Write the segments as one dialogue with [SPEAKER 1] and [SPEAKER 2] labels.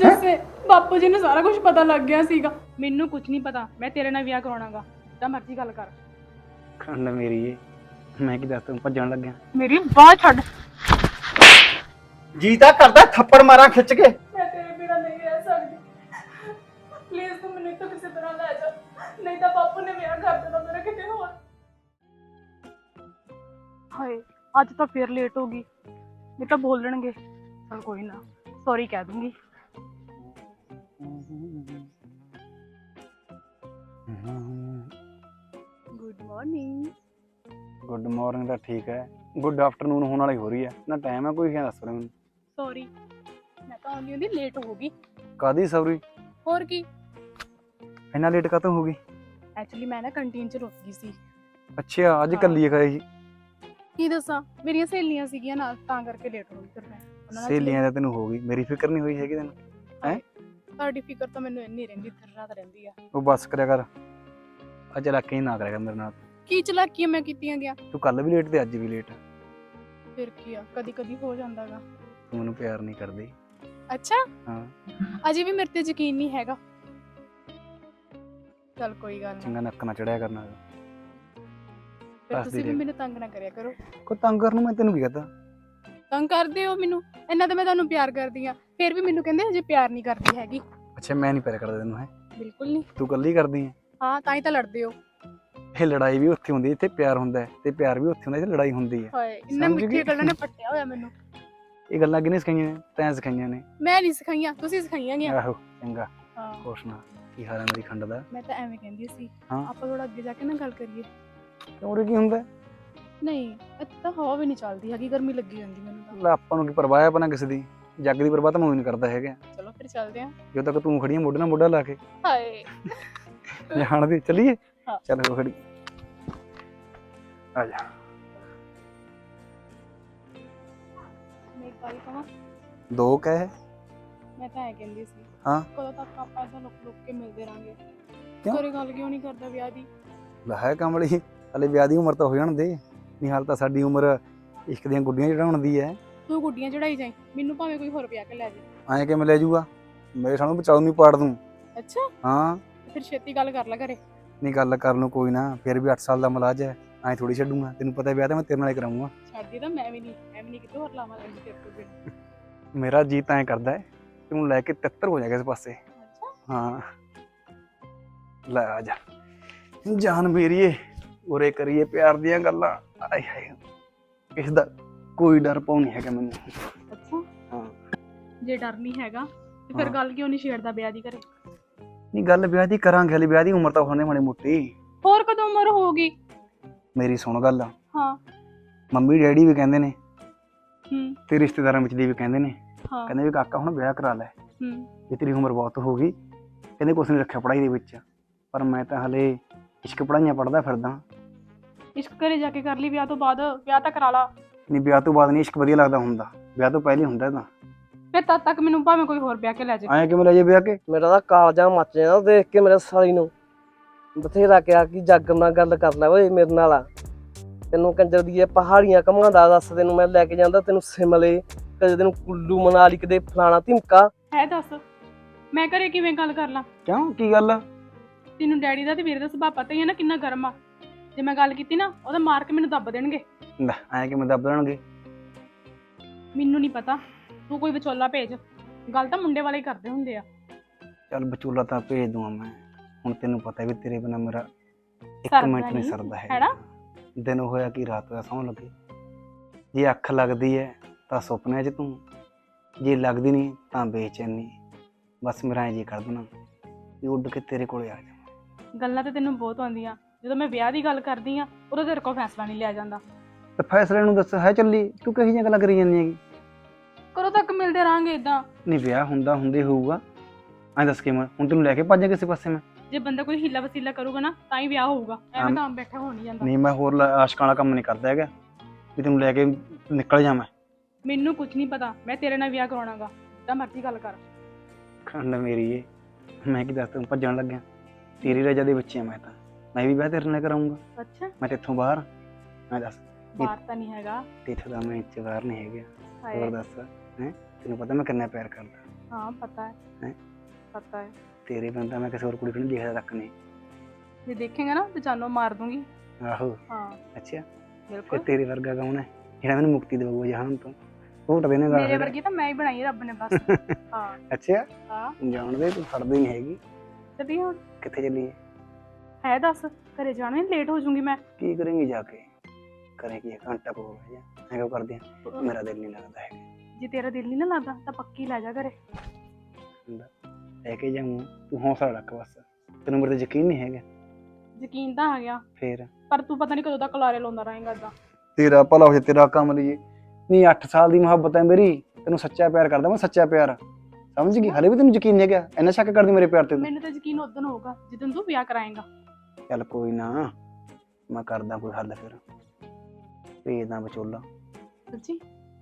[SPEAKER 1] ਜੱਸੇ ਬਾਪੂ ਜੀ ਨੂੰ ਸਾਰਾ ਕੁਝ ਪਤਾ ਲੱਗ ਗਿਆ ਸੀਗਾ। ਮੈਨੂੰ ਕੁਝ ਨਹੀਂ ਪਤਾ, ਮੈਂ ਤੇਰੇ ਨਾਲ ਵਿਆਹ ਕਰਾਉਣਾਗਾ, ਜਿੱਦਾਂ ਮਰਜ਼ੀ ਗੱਲ ਕਰ।
[SPEAKER 2] ਖੰਡ ਮੇਰੀ ਏ, ਮੈਂ ਕੀ ਦੱਸ ਤੂੰ ਭੱਜਣ ਲੱਗਿਆ।
[SPEAKER 1] ਮੇਰੀ ਬਾਹ ਛੱਡ।
[SPEAKER 2] ਜੀ ਤਾਂ ਕਰਦਾ ਥੱਪੜ ਮਾਰਾਂ ਖਿੱਚ ਕੇ।
[SPEAKER 1] ਮੈਂ ਤੇਰੇ ਬਿਨਾਂ ਨਹੀਂ ਰਹਿ ਸਕਦੀ, ਪਲੀਜ਼ ਤੂੰ ਮੈਨੂੰ ਇੱਥੋਂ ਕਿਸੇ ਤਰ੍ਹਾਂ ਲੈ ਜਾ, ਨਹੀਂ ਤਾਂ ਬਾਪੂ ਨੇ ਵਿਆਹ ਕਰ ਦੇਣਾ ਮੇਰਾ ਕਿਤੇ ਹੋਰ। ਹਾਏ ਅੱਜ ਤਾਂ ਫੇਰ ਲੇਟ ਹੋ ਗਈ, ਨਹੀਂ ਤਾਂ ਬੋਲਣਗੇ। ਚਲ ਕੋਈ ਨਾ, ਸੌਰੀ ਕਹਿ ਦੂੰਗੀ। Good morning.
[SPEAKER 2] ਗੁੱਡ ਮਾਰਨਿੰਗ ਤਾਂ ਠੀਕ ਹੈ, ਗੁੱਡ ਆਫਟਰਨੂਨ ਹੋਣ ਵਾਲੀ ਹੋ ਰਹੀ ਹੈ ਨਾ, ਟਾਈਮ ਹੈ ਕੋਈ? ਕਿਆ ਦੱਸ ਰਿਹਾ ਮੈਨੂੰ?
[SPEAKER 1] ਸੌਰੀ, ਮੈਂ ਤਾਂ ਆਉਂਦੀ ਹੁੰਦੀ ਲੇਟ ਹੋ ਗਈ।
[SPEAKER 2] ਕਾਦੀ ਸੌਰੀ?
[SPEAKER 1] ਹੋਰ ਕੀ,
[SPEAKER 2] ਇੰਨਾ ਲੇਟ ਕਾਹਤੋਂ ਹੋ ਗਈ?
[SPEAKER 1] ਐਕਚੁਅਲੀ ਮੈਂ ਨਾ ਕੰਟੀਨ 'ਚ ਰੁਕ ਗਈ ਸੀ।
[SPEAKER 2] ਅੱਛਾ, ਅੱਜ ਕੱਲੀ ਖਾਈ ਸੀ?
[SPEAKER 1] ਕੀ ਦੱਸਾਂ, ਮੇਰੀਆਂ ਸਹੇਲੀਆਂ ਸੀਗੀਆਂ ਨਾਲ, ਤਾਂ ਕਰਕੇ ਲੇਟ ਹੋ ਗਈ। ਫਿਰ ਮੈਂ ਉਹਨਾਂ ਨਾਲ
[SPEAKER 2] ਸਹੇਲੀਆਂ ਦਾ ਤੈਨੂੰ ਹੋ ਗਈ, ਮੇਰੀ ਫਿਕਰ ਨਹੀਂ ਹੋਈ ਹੈਗੀ ਤੈਨੂੰ? ਹੈ
[SPEAKER 1] ਤੁਹਾਡੀ ਫਿਕਰ ਤਾਂ ਮੈਨੂੰ ਇੰਨੀ ਰਹਿੰਦੀ, ਦਿਨ ਰਾਤ ਰਹਿੰਦੀ ਆ।
[SPEAKER 2] ਉਹ ਬੱਸ ਕਰਿਆ ਕਰ, ਅੱਜ ਚਲਾਕੀ ਨਾ ਕਰਿਆ ਕਰ ਮੇਰੇ ਨਾਲ।
[SPEAKER 1] ਕੀ ਚਲਾਕੀਆਂ ਮੈਂ ਕੀਤੀਆਂ ਗਿਆ?
[SPEAKER 2] ਤੂੰ ਕੱਲ ਵੀ ਲੇਟ ਤੇ ਅੱਜ ਵੀ ਲੇਟ।
[SPEAKER 1] ਫਿਰ ਕੀ ਆ, ਕਦੀ ਕਦੀ ਹੋ ਜਾਂਦਾਗਾ।
[SPEAKER 2] ਤੂੰ ਮੈਨੂੰ ਪਿਆਰ ਨਹੀਂ ਕਰਦੀ?
[SPEAKER 1] ਅੱਛਾ,
[SPEAKER 2] ਹਾਂ।
[SPEAKER 1] ਅਜੇ ਵੀ ਮੇਰੇ ਤੇ ਯਕੀਨ ਨਹੀਂ ਹੈਗਾ। ਚਲ ਕੋਈ ਗੱਲ ਨਹੀਂ,
[SPEAKER 2] ਚੰਗਾ ਨੱਕ ਨਾ ਚੜਿਆ ਕਰਨਾ।
[SPEAKER 1] ਫਿਰ
[SPEAKER 2] ਦੱਸਦੀ
[SPEAKER 1] ਤੁਸੀਂ ਵੀ
[SPEAKER 2] ਰਹਿ।
[SPEAKER 1] ਮੈਨੂੰ ਤੰਗ ਨਾ ਕਰਿਆ ਕਰੋ।
[SPEAKER 2] ਕੋਈ ਤੰਗ ਕਰਨ ਨੂੰ ਮੈਂ ਤੈਨੂੰ ਕੀ ਕਹਤਾ?
[SPEAKER 1] ਤੰਗ ਕਰਦੇ ਹੋ ਮੈਨੂੰ, ਇੰਨਾ ਤਾਂ ਮੈਂ ਤੁਹਾਨੂੰ ਪਿਆਰ ਕਰਦੀ ਆ, ਫਿਰ ਵੀ ਮੈਨੂੰ ਕਹਿੰਦੇ ਅਜੇ ਪਿਆਰ ਨਹੀਂ ਕਰਦੀ ਹੈਗੀ।
[SPEAKER 2] ਅੱਛਾ, ਮੈਂ ਨਹੀਂ ਪਿਆਰ ਕਰਦਾ ਤੈਨੂੰ? ਹੈ
[SPEAKER 1] ਬਿਲਕੁਲ ਨਹੀਂ।
[SPEAKER 2] ਤੂੰ ਕੱਲੀ ਕਰਦੀ ਹੈ?
[SPEAKER 1] ਹਾਂ, ਤਾਂ ਹੀ ਤਾਂ ਲੜਦੇ ਹੋ।
[SPEAKER 2] ਇਹ ਲੜਾਈ ਵੀ ਉੱਥੇ ਹੁੰਦੀ ਜਿੱਥੇ ਪਿਆਰ ਹੁੰਦਾ ਹੈ, ਤੇ ਪਿਆਰ ਵੀ ਉੱਥੇ ਹੁੰਦਾ ਜਿੱਥੇ ਲੜਾਈ ਹੁੰਦੀ ਹੈ।
[SPEAKER 1] ਹਾਏ, ਇੰਨਾ
[SPEAKER 2] ਸਮਝ
[SPEAKER 1] ਮਿੱਠੀਆਂ
[SPEAKER 2] ਗਈ?
[SPEAKER 1] ਗੱਲਾਂ ਨੇ ਪੱਟਿਆ ਹੋਇਆ ਮੈਨੂੰ।
[SPEAKER 2] ਇਹ ਗੱਲਾਂ ਕਿਹਨੇ ਸਿਖਾਈਆਂ ਨੇ? ਤੈਂ ਸਿਖਾਈਆਂ ਨੇ।
[SPEAKER 1] ਮੈਂ ਨਹੀਂ ਸਿਖਾਈਆਂ, ਤੁਸੀਂ ਸਿਖਾਈਆਂ ਗੀਆਂ।
[SPEAKER 2] ਆਹੋ ਚੰਗਾ,
[SPEAKER 1] ਹਾਂ,
[SPEAKER 2] ਕੁਛ ਨਾ। ਕੀ ਹਾਲ ਹੈ ਮੇਰੀ ਖੰਡ ਦਾ?
[SPEAKER 1] ਮੈਂ ਤਾਂ ਐਵੇਂ ਕਹਿੰਦੀ ਸੀ,
[SPEAKER 2] ਹਾਂ।
[SPEAKER 1] ਆਪਾਂ ਥੋੜਾ ਅੱਗੇ ਜਾ ਕੇ ਨਾ ਗੱਲ ਕਰੀਏ।
[SPEAKER 2] ਕਿਉਂ ਕੀ ਹੁੰਦਾ?
[SPEAKER 1] ਨਹੀਂ, ਇੱਥੇ ਤਾਂ ਹਵਾ ਵੀ ਨਹੀਂ ਚੱਲਦੀ ਹੈਗੀ, ਗਰਮੀ ਲੱਗੀ ਜਾਂਦੀ ਮੈਨੂੰ ਤਾਂ।
[SPEAKER 2] ਲੈ ਆਪਾਂ ਨੂੰ ਕੀ ਪਰਵਾਹ ਹੈ ਆਪਣਾ ਕਿਸੇ ਦੀ? ਜੱਗ ਦੀ ਪਰਵਾਹ ਤਾਂ ਮੈਂ ਨਹੀਂ ਕਰਦਾ ਹੈਗਾ।
[SPEAKER 1] ਚਲੋ ਫਿਰ ਚੱਲਦੇ ਆਂ।
[SPEAKER 2] ਜਦੋਂ ਤੱਕ ਤੂੰ ਖੜੀ ਹੈ ਮੋਢੇ ਨਾਲ ਮੋਢਾ ਲਾ ਕੇ।
[SPEAKER 1] ਹਾਏ,
[SPEAKER 2] ਜਾਣ ਦੇ, ਚੱਲੀਏ?
[SPEAKER 1] ਹਾਂ।
[SPEAKER 2] ਚੱਲ ਹੋ ਖੜੀ, ਆ ਜਾ।
[SPEAKER 1] ਮੈਂ ਇੱਕ ਗੱਲ ਕਹਾਂ,
[SPEAKER 2] ਦੋ ਕਹਿ।
[SPEAKER 1] ਮੈਂ ਤਾਂ ਐ ਕਹਿੰਦੀ ਸੀ,
[SPEAKER 2] ਹਾਂ।
[SPEAKER 1] ਕਦੋਂ ਤੱਕ ਆਪਾਂ ਏਦਾਂ ਲੁੱਕ ਲੁੱਕ ਕੇ ਮਿਲਦੇ ਰਾਂਗੇ?
[SPEAKER 2] ਕਿਉਂ?
[SPEAKER 1] ਘਰੇ ਗੱਲ ਕਿਉਂ ਨਹੀਂ ਕਰਦਾ ਵਿਆਹ ਦੀ?
[SPEAKER 2] ਲੈ ਹੈ ਕਮਲੀ, ਹਲੇ ਵਿਆਹ ਦੀ ਉਮਰ ਤਾਂ ਹੋ ਜਾਣ ਦੇ। ਨਹੀਂ ਹਾਲ ਤਾਂ ਸਾਡੀ ਉਮਰ ਇਸ਼ਕ ਦੀਆਂ ਗੁੱਡੀਆਂ ਚੜਾਉਣ ਦੀ ਹੈ।
[SPEAKER 1] ਤੂੰ ਗੁੱਡੀਆਂ ਚੜਾਈ ਜਾਈ, ਮੈਨੂੰ ਭਾਵੇਂ ਕੋਈ ਹੋਰ ਵਿਆਹ ਕੇ ਲੈ ਜਾਏ।
[SPEAKER 2] ਐਂ ਕਿਵੇਂ ਲੈ ਜਾਊਗਾ? ਮੇਰੇ ਸਾਹਮਣੇ ਬਚਾਉ ਨਹੀਂ ਪਾੜ ਦੂੰ।
[SPEAKER 1] ਅੱਛਾ,
[SPEAKER 2] ਹਾਂ।
[SPEAKER 1] ਫਿਰ ਛੇਤੀ ਗੱਲ ਕਰ ਲੈ ਘਰੇ।
[SPEAKER 2] ਨਹੀਂ ਗੱਲ ਕਰਨ ਨੂੰ ਕੋਈ ਨਾ, ਫਿਰ ਵੀ 8 ਸਾਲ ਦਾ ਮਲਾਜ ਹੈ, ਐਂ ਥੋੜੀ ਛੱਡੂਗਾ। ਤੈਨੂੰ ਪਤਾ ਵਿਆਹ ਤਾਂ ਮੈਂ ਤੇਰੇ ਨਾਲ ਹੀ ਕਰਾਉਂਗਾ।
[SPEAKER 1] ਛੱਡਦੀ ਤਾਂ ਮੈਂ ਵੀ ਨਹੀਂ ਕਿਤੇ ਹੋਰ ਲਾਵਾਂਗਾ ਤੇਰੇ ਤੋਂ ਬਿਨਾਂ।
[SPEAKER 2] ਮੇਰਾ ਜੀ ਤਾਂ ਐਂ ਕਰਦਾ ਹੈ ਤੈਨੂੰ ਲੈ ਕੇ ਤਿੱਤਰ ਹੋ ਜਾਏਗਾ ਇਸ ਪਾਸੇ।
[SPEAKER 1] ਅੱਛਾ,
[SPEAKER 2] ਹਾਂ, ਲੈ ਆ ਜਾ ਜਾਨ ਮੇਰੀਏ, ਉਰੇ ਕਰੀਏ ਪਿਆਰ ਦੀਆਂ ਗੱਲਾਂ। ਆਏ ਹਾਏ, ਇਸ ਦਾ ਕੋਈ ਡਰ ਪਾਉ ਨਹੀਂ ਹੈਗਾ ਮੈਨੂੰ।
[SPEAKER 1] ਅੱਛਾ।
[SPEAKER 2] ਹਾਂ।
[SPEAKER 1] ਜੇ ਡਰ ਨਹੀਂ ਹੈਗਾ ਤੇ ਫਿਰ
[SPEAKER 2] ਹਾਂ।
[SPEAKER 1] ਗੱਲ ਕਿਉਂ ਨਹੀਂ ਛੇੜਦਾ ਵਿਆਹ ਦੀ ਘਰੇ?
[SPEAKER 2] ਨਹੀਂ ਗੱਲ ਵਿਆਹ ਦੀ ਕਰਾਂਗੇ, ਹਲੇ ਵਿਆਹ ਦੀ ਉਮਰ ਤਾਂ ਹੋਣੇ ਮਾੜੀ ਮੋਟੀ।
[SPEAKER 1] ਹੋਰ ਕਦੋਂ ਉਮਰ ਹੋਊਗੀ?
[SPEAKER 2] ਮੇਰੀ ਸੁਣ ਗੱਲ,
[SPEAKER 1] ਹਾਂ।
[SPEAKER 2] ਮੰਮੀ ਡੈਡੀ ਵੀ ਕਹਿੰਦੇ ਨੇ
[SPEAKER 1] ਹੂੰ।
[SPEAKER 2] ਤੇ ਰਿਸ਼ਤੇਦਾਰਾਂ ਵਿੱਚ ਦੀ ਵੀ ਕਹਿੰਦੇ ਨੇ,
[SPEAKER 1] ਹਾਂ।
[SPEAKER 2] ਕਹਿੰਦੇ ਵੀ ਕਾਕਾ ਹੁਣ ਵਿਆਹ ਕਰਾ ਲੈ,
[SPEAKER 1] ਹੂੰ।
[SPEAKER 2] ਵੀ ਤੇਰੀ ਉਮਰ ਬਹੁਤ ਹੋ ਗਈ। ਕਹਿੰਦੇ ਕੁਛ ਨਹੀਂ ਰੱਖਿਆ ਪੜ੍ਹਾਈ ਦੇ ਵਿੱਚ, ਪਰ ਮੈਂ ਤਾਂ ਹਲੇ ਇਸ਼ਕ ਪੜ੍ਹਾਈਆਂ ਪੜ੍ਹਦਾ ਫਿਰਦਾ।
[SPEAKER 1] ਇਸ਼ਕ ਘਰੇ ਜਾ ਕੇ ਕਰ ਲਈ ਵਿਆਹ ਤੋਂ ਬਾਅਦ, ਵਿਆਹ ਤਾਂ ਕਰਾ ਲਾ।
[SPEAKER 2] ਨਹੀਂ ਵਿਆਹ ਤੋਂ ਬਾਅਦ ਨਹੀਂ ਇਸ਼ਕ ਵਧੀਆ ਲੱਗਦਾ ਹੁੰਦਾ, ਵਿਆਹ ਤੋਂ ਪਹਿਲੇ ਹੁੰਦਾ ਤਾਂ।
[SPEAKER 1] ਫਿਰ ਤਦ ਤੱਕ ਮੈਨੂੰ ਭਾਵੇਂ ਕੋਈ ਹੋਰ ਵਿਆਹ ਕੇ ਲੈ ਜਾਏ।
[SPEAKER 2] ਐਂ ਕਿਵੇਂ ਲੈ ਜੇ ਵਿਆਹ ਕੇ?
[SPEAKER 3] ਮੇਰਾ ਤਾਂ ਕਾਲਜਾ ਮੱਚ ਜਾਂਦਾ ਦੇਖ ਕੇ ਮੇਰੇ ਸਾਲੀ ਨੂੰ। ਬਥੇਰਾ ਕਿਹਾ ਕਿ ਜੱਗ ਨਾਲ ਗੱਲ ਕਰ ਲੈ ਓਏ ਮੇਰੇ ਨਾਲ ਆ, ਤੈਨੂੰ ਕੰਜਰ ਦੀ ਪਹਾੜੀਆਂ ਘੁਮਾਉਂਦਾ ਦੱਸ, ਤੈਨੂੰ ਮੈਂ ਲੈ ਕੇ ਜਾਂਦਾ, ਤੈਨੂੰ ਸਿਮਲੇ, ਕਦੇ ਤੈਨੂੰ ਕੁੱਲੂ ਮਨਾਲੀ, ਕਦੇ ਫਲਾਣਾ ਧਿਮਕਾ।
[SPEAKER 1] ਹੈ ਦੱਸ, ਮੈਂ ਘਰੇ ਕਿਵੇਂ ਗੱਲ ਕਰ ਲਾਂ?
[SPEAKER 2] ਕਿਉਂ, ਕੀ ਗੱਲ?
[SPEAKER 1] ਤੈਨੂੰ ਡੈਡੀ ਦਾ ਤੇ ਵੀਰੇ ਦਾ ਸੁਭਾਅ ਪਤਾ ਹੀ ਹੈ ਨਾ ਕਿੰਨਾ ਗਰਮ ਆ। ਜੇ ਮੈਂ ਗੱਲ ਕੀਤੀ ਨਾ, ਉਹਦਾ ਮਾਰ ਕੇ ਮੈਨੂੰ ਦੱਬ ਦੇਣਗੇ।
[SPEAKER 2] ਲੈ ਐਂ ਕਿਵੇਂ ਦੱਬ ਦੇਣਗੇ?
[SPEAKER 1] ਮੈਨੂੰ ਨਹੀਂ ਪਤਾ, ਤੂੰ ਕੋਈ ਵਿਚੋਲਾ ਭੇਜ, ਗੱਲ ਤਾਂ ਮੁੰਡੇ ਵਾਲੇ ਹੀ ਕਰਦੇ ਹੁੰਦੇ ਆ।
[SPEAKER 2] ਚੱਲ ਵਿਚੋਲਾ ਤਾਂ ਭੇਜ ਦੂੰਗਾ ਮੈਂ, ਹੁਣ ਤੈਨੂੰ ਪਤਾ ਵੀ ਤੇਰੇ ਬਿਨਾਂ ਮੇਰਾ ਇੱਕ
[SPEAKER 1] ਸਰਦਾ
[SPEAKER 2] ਮਿੰਟ ਨਹੀਂ
[SPEAKER 1] ਨਹੀਂ,
[SPEAKER 2] ਸਰਦਾ
[SPEAKER 1] ਹੈ ਨਾ?
[SPEAKER 2] ਦਿਨ ਹੋਇਆ ਕਿ ਰਾਤ ਹੋਇਆ ਸੌਂ ਲੱਗੇ। ਜੇ ਅੱਖ ਲੱਗਦੀ ਹੈ ਤਾਂ ਸੁਪਨਿਆਂ 'ਚ ਤੂੰ, ਜੇ ਲੱਗਦੀ ਨਹੀਂ ਤਾਂ ਬੇਚੈਨੀ। ਬਸ ਮੇਰਾ ਐਂ ਜੀ ਕਰ ਦੇਣਾ ਵੀ ਉੱਡ ਕੇ ਤੇਰੇ ਕੋਲੇ ਆ ਜਾ।
[SPEAKER 1] ਗੱਲਾਂ ਤੇ ਤੈਨੂੰ ਬਹੁਤ ਆਉਂਦੀਆਂ, ਜਦੋਂ ਮੈਂ ਵਿਆਹ ਦੀ ਗੱਲ ਕਰਦੀ ਆ ਉਦੋਂ ਤੇਰੇ ਕੋਲ ਫੈਸਲਾ ਨਹੀਂ ਲਿਆ ਜਾਂਦਾ।
[SPEAKER 2] ਤੇ ਫੈਸਲੇ ਨੂੰ ਦੱਸ, ਹੈ ਚੱਲੀ ਤੂੰ ਕਹੀ ਜਿਹੀਆਂ ਗੱਲਾਂ ਕਰੀ ਜਾਂਦੀ ਹੈਗੀ?
[SPEAKER 1] ਕਦੋਂ ਤੱਕ ਮਿਲਦੇ ਰਹਾਂਗੇ ਇਦਾਂ?
[SPEAKER 2] ਨਹੀਂ ਵਿਆਹ ਹੁੰਦਾ ਹੁੰਦੇ ਹੋਊਗਾ, ਐਂ ਦੱਸ ਕੇ ਮੈਂ ਹੁਣ ਤੈਨੂੰ ਲੈ ਕੇ ਭੱਜਾਂ ਕਿਸੇ ਪਾਸੇ ਮੈਂ?
[SPEAKER 1] ਜੇ ਬੰਦਾ ਕੋਈ ਹੀਲਾ ਵਸੀਲਾ ਕਰੂਗਾ ਨਾ ਤਾਂ ਹੀ ਵਿਆਹ ਹੋਊਗਾ, ਐਵੇਂ ਤਾਂ ਬੈਠਾ ਹੋ ਨਹੀਂ ਜਾਂਦਾ।
[SPEAKER 2] ਨਹੀਂ ਮੈਂ ਹੋਰ ਆਸ਼ਕਾਂ ਵਾਲਾ ਕੰਮ ਨਹੀਂ ਕਰਦਾ ਹੈਗਾ ਵੀ ਤੈਨੂੰ ਲੈ ਕੇ ਨਿਕਲ ਜਾ।
[SPEAKER 1] ਮੈਨੂੰ ਕੁਝ ਨਹੀਂ ਪਤਾ, ਮੈਂ ਤੇਰੇ ਨਾਲ ਵਿਆਹ ਕਰਾਉਣਾਗਾ, ਜਿੱਦਾਂ ਮਰਜ਼ੀ ਗੱਲ ਕਰ।
[SPEAKER 2] ਖੰਡ ਮੇਰੀ ਏ, ਮੈਂ ਕੀ ਦੱਸ ਤੈਨੂੰ ਭੱਜਣ ਲੱਗਿਆ? ਤੇਰੀ ਰਜਾ ਦੇ ਵਿੱਚ ਆ ਮੈਂ ਤਾਂ, ਮੈਂ ਵੀ ਵਿਆਹ ਤੇਰੇ ਨਾਲ ਕਰਾਉਂਗਾ।
[SPEAKER 1] ਅੱਛਾ,
[SPEAKER 2] ਮੈਂ ਤੇਥੋਂ ਬਾਹਰ? ਮੈਂ ਦੱਸ,
[SPEAKER 1] ਬਾਹਰ ਤਾਂ ਨਹੀਂ ਹੈਗਾ।
[SPEAKER 2] ਤੇਥੋਂ ਦਾ ਮੈਂ ਇੱਥੇ ਬਾਹਰ ਨਹੀਂ ਹੈਗਾ।
[SPEAKER 1] ਹਾਏ,
[SPEAKER 2] ਹੋਰ ਦੱਸ, ਹੈ ਤੈਨੂੰ ਪਤਾ ਮੈਂ ਕਿੰਨਾ ਪਿਆਰ ਕਰਦਾ।
[SPEAKER 1] हाँ पता है।
[SPEAKER 2] हैं?
[SPEAKER 1] पता है।
[SPEAKER 2] ਤੇਰੇ ਬੰਦਾ ਮੈਂ ਕਿਸੇ ਹੋਰ ਕੁੜੀ ਨੂੰ ਨਹੀਂ ਦੇਖਦਾ ਤੱਕ ਨਹੀਂ।
[SPEAKER 1] ये देखेंगे ना तो जानवर मार दूंगी।
[SPEAKER 2] ਆਹੋ
[SPEAKER 1] हाँ
[SPEAKER 2] ਅੱਛਾ ਫਿਰ
[SPEAKER 1] बिल्कुल।
[SPEAKER 2] ਤੇਰੇ ਵਰਗਾ ਕੌਣ ਹੈ ਜਿਹੜਾ ਮੈਨੂੰ ਮੁਕਤੀ ਦੇਊਗਾ ਜਹਾਨ ਤੋਂ? ਘੋਟ ਦੇਣੇ ਦਾ
[SPEAKER 1] मेरे वर्गी तो मैं ही बनाई है रब ने बस। हाँ
[SPEAKER 2] ਅੱਛਾ
[SPEAKER 1] हाँ
[SPEAKER 2] ਜਾਣਦੇ ਤੂੰ ਫੜਦੀ ਨਹੀਂ ਹੈਗੀ।
[SPEAKER 1] चलिए हुण
[SPEAKER 2] ਕਿੱਥੇ ਚੱਲੀਏ?
[SPEAKER 1] है दस घरे जाना लेट हो जाऊंगी मैं।
[SPEAKER 2] ਕੀ ਕਰੇਂਗੀ ਜਾ ਕੇ? ਕਰੇਗੀ ਘੰਟਾ ਕੋ ਹੋ ਜਾ ਐਂ ਕਰਦੇ ਆ ਮੇਰਾ ਦਿਲ ਨਹੀਂ ਲੱਗਦਾ ਹੈਗਾ।
[SPEAKER 1] जे तेरा दिल नहीं ना लगता तो पक्की लै जा घरे।
[SPEAKER 2] ਲੈ ਕੇ ਜਾਊਂ ਤੂੰ ਹੌਸਲਾ ਰੱਖ ਬਸ ਤੈਨੂੰ ਮੇਰੇ ਤੇ ਯਕੀਨ ਨਹੀਂ ਹੈਗਾ।
[SPEAKER 1] यकीन तो आ गया
[SPEAKER 2] ਫੇਰ
[SPEAKER 1] पर तू पता नहीं कदों तक लारे लाਉਂਦਾ रहेगा इदां।
[SPEAKER 2] ਤੇਰਾ ਭਲਾ ਹੋ ਜਾ ਤੇਰਾ ਕੰਮ ਲਈਏ ਨਹੀਂ 8 ਸਾਲ ਦੀ ਮੁਹੱਬਤ ਹੈ ਮੇਰੀ ਤੈਨੂੰ ਸੱਚਾ ਪਿਆਰ ਕਰਦਾ ਮੈਂ ਸੱਚਾ ਪਿਆਰ ਸਮਝ ਗਈ ਹਲੇ ਵੀ ਤੈਨੂੰ ਯਕੀਨ ਨਹੀਂ ਹੈਗਾ ਇੰਨਾ ਸ਼ੱਕ ਕਰਦੀ ਮੇਰੇ ਪਿਆਰ ਤੇ ਤੂੰ।
[SPEAKER 1] ਮੈਨੂੰ ਤਾਂ ਯਕੀਨ ਉਦੋਂ ਹੋਊਗਾ ਜਦੋਂ ਤੂੰ ਵਿਆਹ ਕਰਾਏਗਾ।
[SPEAKER 2] ਚੱਲ ਕੋਈ ਨਾ ਮੈਂ ਕਰਦਾ ਕੋਈ ਹੱਲ ਫਿਰ ਭੇਜਦਾ ਵਿਚੋਲਾ।
[SPEAKER 1] ਸੱਚੀ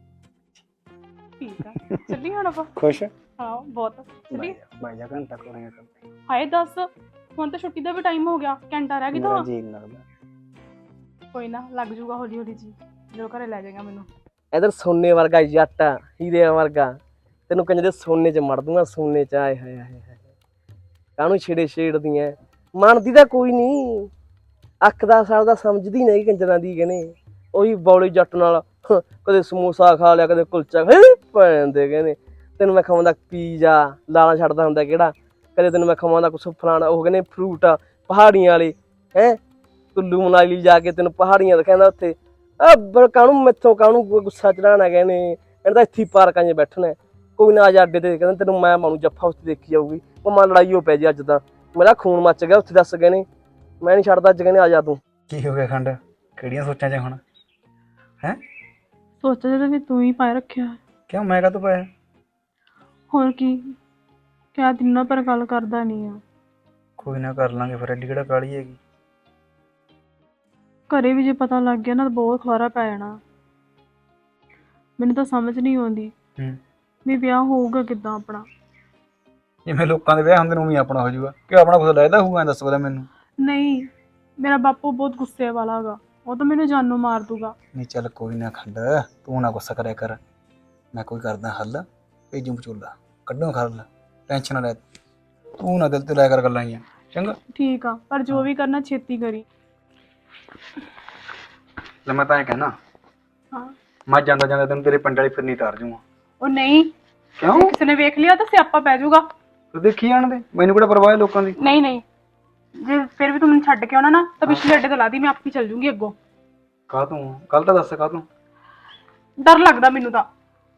[SPEAKER 1] ਠੀਕ ਆ ਚੱਲੀ ਹੁਣ ਆਪਾਂ।
[SPEAKER 2] ਖੁਸ਼
[SPEAKER 1] ਹਾਂ ਬਹੁਤ ਚੱਲੀ।
[SPEAKER 2] ਬਾਈ ਜਾ ਘੰਟਾ ਕੋਰੇਗਾ ਕਰਦੇ
[SPEAKER 1] ਹਾਏ ਦੱਸ ਹੁਣ ਤਾਂ ਛੁੱਟੀ ਦਾ ਵੀ ਟਾਈਮ ਹੋ ਗਿਆ ਘੰਟਾ ਰਹਿ ਗਿਆ
[SPEAKER 2] ਮੇਰਾ
[SPEAKER 1] ਤਾਂ।
[SPEAKER 2] ਜੀ ਨਹੀਂ ਲੱਗਦਾ।
[SPEAKER 1] ਕੋਈ ਨਾ ਲੱਗ ਜੂਗਾ ਹੌਲੀ ਹੌਲੀ ਜੀ ਜੋ ਘਰੇ ਲੈ ਜਾਏਗਾ ਮੈਨੂੰ।
[SPEAKER 3] ਇਧਰ ਸੋਨੇ ਵਰਗਾ ਜੱਟ ਆ, ਹੀਰਿਆਂ ਵਰਗਾ, ਤੈਨੂੰ ਕੰਜ ਦੇ ਸੋਨੇ 'ਚ ਮੜ ਦੂੰਗਾ ਸੋਨੇ 'ਚ। ਆਏ ਹਾਏ ਹਾਏ ਹਾਏ ਕਾਹਨੂੰ ਛੇੜਦੀਆਂ ਮੰਨਦੀ ਤਾਂ ਕੋਈ ਨਹੀਂ। ਅੱਖ ਦਾ ਸਾਲ ਦਾ ਸਮਝਦੀ ਨਹੀਂ ਕੰਜਰਾਂ ਦੀ ਕਹਿੰਦੇ। ਉਹੀ ਬੌਲੀ ਜੱਟ ਨਾਲ ਕਦੇ ਸਮੋਸਾ ਖਾ ਲਿਆ ਕਦੇ ਕੁਲਚਾ ਪੈਂਦੇ ਕਹਿੰਦੇ। ਤੈਨੂੰ ਮੈਂ ਖਵਾਉਂਦਾ ਪੀਜ਼ਾ ਲਾਲਾ ਛੱਡਦਾ ਹੁੰਦਾ ਕਿਹੜਾ। ਕਦੇ ਤੈਨੂੰ ਮੈਂ ਖਵਾਉਂਦਾ ਕੁਛ ਫਲਾਣਾ ਉਹ ਕਹਿੰਦੇ ਫਰੂਟ ਪਹਾੜੀਆਂ ਵਾਲੇ ਹੈਂ। ਕੁੱਲੂ ਮਨਾਲੀ ਜਾ ਕੇ ਤੈਨੂੰ ਪਹਾੜੀਆਂ ਦਿਖਾਉਂਦਾ ਉੱਥੇ। ਕਾਹਨੂੰ ਮੈਥੋਂ ਕਾਹਨੂੰ ਗੁੱਸਾ ਚੜਾਉਣਾ ਕਹਿੰਦੇ। ਇਹਨਾਂ ਤਾਂ ਇੱਥੇ ਪਾਰਕਾਂ 'ਚ ਬੈਠਣਾ ਕੋਈ ਨਾ ਆ ਜਾ ਅੱਡੇ ਤੇ ਕਹਿੰਦੇ ਤੈਨੂੰ ਮੈਂ ਮਾਣੂ ਜੱਫਾ ਉੱਥੇ ਦੇਖੀ ਜਾਊਗੀ। ਭਾਵੇਂ ਲੜਾਈ ਹੋ ਪੈ ਜੀ ਅੱਜ ਤਾਂ ਮੇਰਾ ਖੂਨ ਮੱਚ ਗਿਆ ਉੱਥੇ ਦੱਸ ਕਹਿੰਦੇ। ਮੈਂ ਨਹੀਂ ਛੱਡਦਾ ਅੱਜ ਕਹਿੰਦੇ ਆ ਜਾ ਤੂੰ।
[SPEAKER 2] ਕੀ ਹੋ ਗਿਆ ਖੰਡ ਕਿਹੜੀਆਂ ਸੋਚਾਂ 'ਚ ਹੁਣ ਹੈ?
[SPEAKER 1] ਸੋਚਿਆ ਜਦੋਂ ਵੀ ਤੂੰ ਹੀ ਪਾਏ ਰੱਖਿਆ।
[SPEAKER 2] ਕਿਉਂ ਮੈਂ ਕਾਹਤੋਂ ਪਾਇਆ?
[SPEAKER 1] ਹੋਰ ਕੀ ਕਿਆ ਦਿਨਾਂ ਪਰ ਗੱਲ ਕਰਦਾ ਨਹੀਂ ਆ।
[SPEAKER 2] ਕੋਈ ਨਾ ਕਰ ਲਾਂਗੇ ਫਿਰ ਐਡੀ ਕਿਹੜਾ ਕਾਹਲੀ ਹੈਗੀ।
[SPEAKER 1] ਘਰੇ ਵੀ ਜੇ ਪਤਾ ਲੱਗ ਗਿਆ ਨਾ ਤਾਂ ਬਹੁਤ ਖਲਾਰਾ ਪੈ ਜਾਣਾ। ਮੈਨੂੰ ਤਾਂ ਸਮਝ ਨਹੀਂ ਆਉਂਦੀ ਵੀ ਵਿਆਹ ਹੋਊਗਾ ਕਿੱਦਾਂ ਆਪਣਾ।
[SPEAKER 2] ਜਿਵੇਂ ਲੋਕਾਂ ਦੇ ਵਿਆਹ ਹੁੰਦੇ ਨੇ ਉਵੇਂ ਆਪਣਾ ਹੋ ਜਾਊਗਾ ਕਿ ਆਪਣਾ ਕੁਝ ਲੱਗਦਾ ਹੋਊਗਾ ਦੱਸ ਪਤਾ ਮੈਨੂੰ।
[SPEAKER 1] ਨਹੀਂ ਮੇਰਾ ਬਾਪੂ ਬਹੁਤ ਗੁੱਸੇ ਵਾਲਾ ਹੈਗਾ ਉਹ ਤਾਂ ਮੈਨੂੰ ਜਾਨੋਂ ਮਾਰ ਦੂਗਾ।
[SPEAKER 2] ਨਹੀਂ ਚੱਲ ਕੋਈ ਨਾ ਖੰਡ ਤੂੰ ਨਾ ਗੁੱਸਾ ਕਰਿਆ ਕਰ ਮੈਂ ਕੋਈ ਕਰਦਾ ਹੱਲ ਭੇਜੂ ਵਿਚੋਲਾ ਕੱਢੋ ਖੱਲ ਟੈਨਸ਼ਨ ਨਾ ਲੈ ਤੂੰ ਨਾ ਦਿਲ ਤੇ ਲੈ ਕਰ ਗੱਲਾਂ ਆਈਆਂ ਚੰਗਾ।
[SPEAKER 1] ਠੀਕ ਆ ਪਰ ਜੋ ਵੀ ਕਰਨਾ ਛੇਤੀ ਕਰੀ।
[SPEAKER 2] ਲੈ ਮੈਂ ਤਾਂ ਇਹ ਕਹਿਣਾ
[SPEAKER 1] ਹਾਂ
[SPEAKER 2] ਮੈਂ ਜਾਂਦਾ ਜਾਂਦਾ ਤੈਨੂੰ ਤੇਰੇ ਪਿੰਡ ਵਾਲੀ ਫਿਰਨੀ ਤਾਰ ਜੂਗਾ।
[SPEAKER 1] ਉਹ ਨਹੀਂ
[SPEAKER 2] ਕਿਉਂ?
[SPEAKER 1] ਕਿਸੇ ਨੇ ਵੇਖ ਲਿਆ ਤਾਂ ਸਿਆਪਾ ਪੈ ਜਾਊਗਾ।
[SPEAKER 2] ਤੂੰ ਦੇਖੀ ਜਾਣ ਦੇ ਮੈਨੂੰ ਕਿਹੜਾ ਪਰਵਾਹ ਹੈ ਲੋਕਾਂ ਦੀ।
[SPEAKER 1] ਨਹੀਂ ਨਹੀਂ ਜੇ ਫਿਰ ਵੀ ਤੂੰ ਮੈਨੂੰ ਛੱਡ ਕੇ ਆਉਣਾ ਨਾ ਤਾਂ ਪਿਛਲੇ ਅੱਡੇ ਤੋਂ ਲਾ ਦੀ ਮੈਂ ਆਪੇ ਚੱਲ ਜੂੰਗੀ ਅੱਗੋਂ।
[SPEAKER 2] ਕਾਹ ਤੂੰ ਕੱਲ ਤਾਂ ਦੱਸ ਕਾਹ ਤੂੰ?
[SPEAKER 1] ਡਰ ਲੱਗਦਾ ਮੈਨੂੰ ਤਾਂ।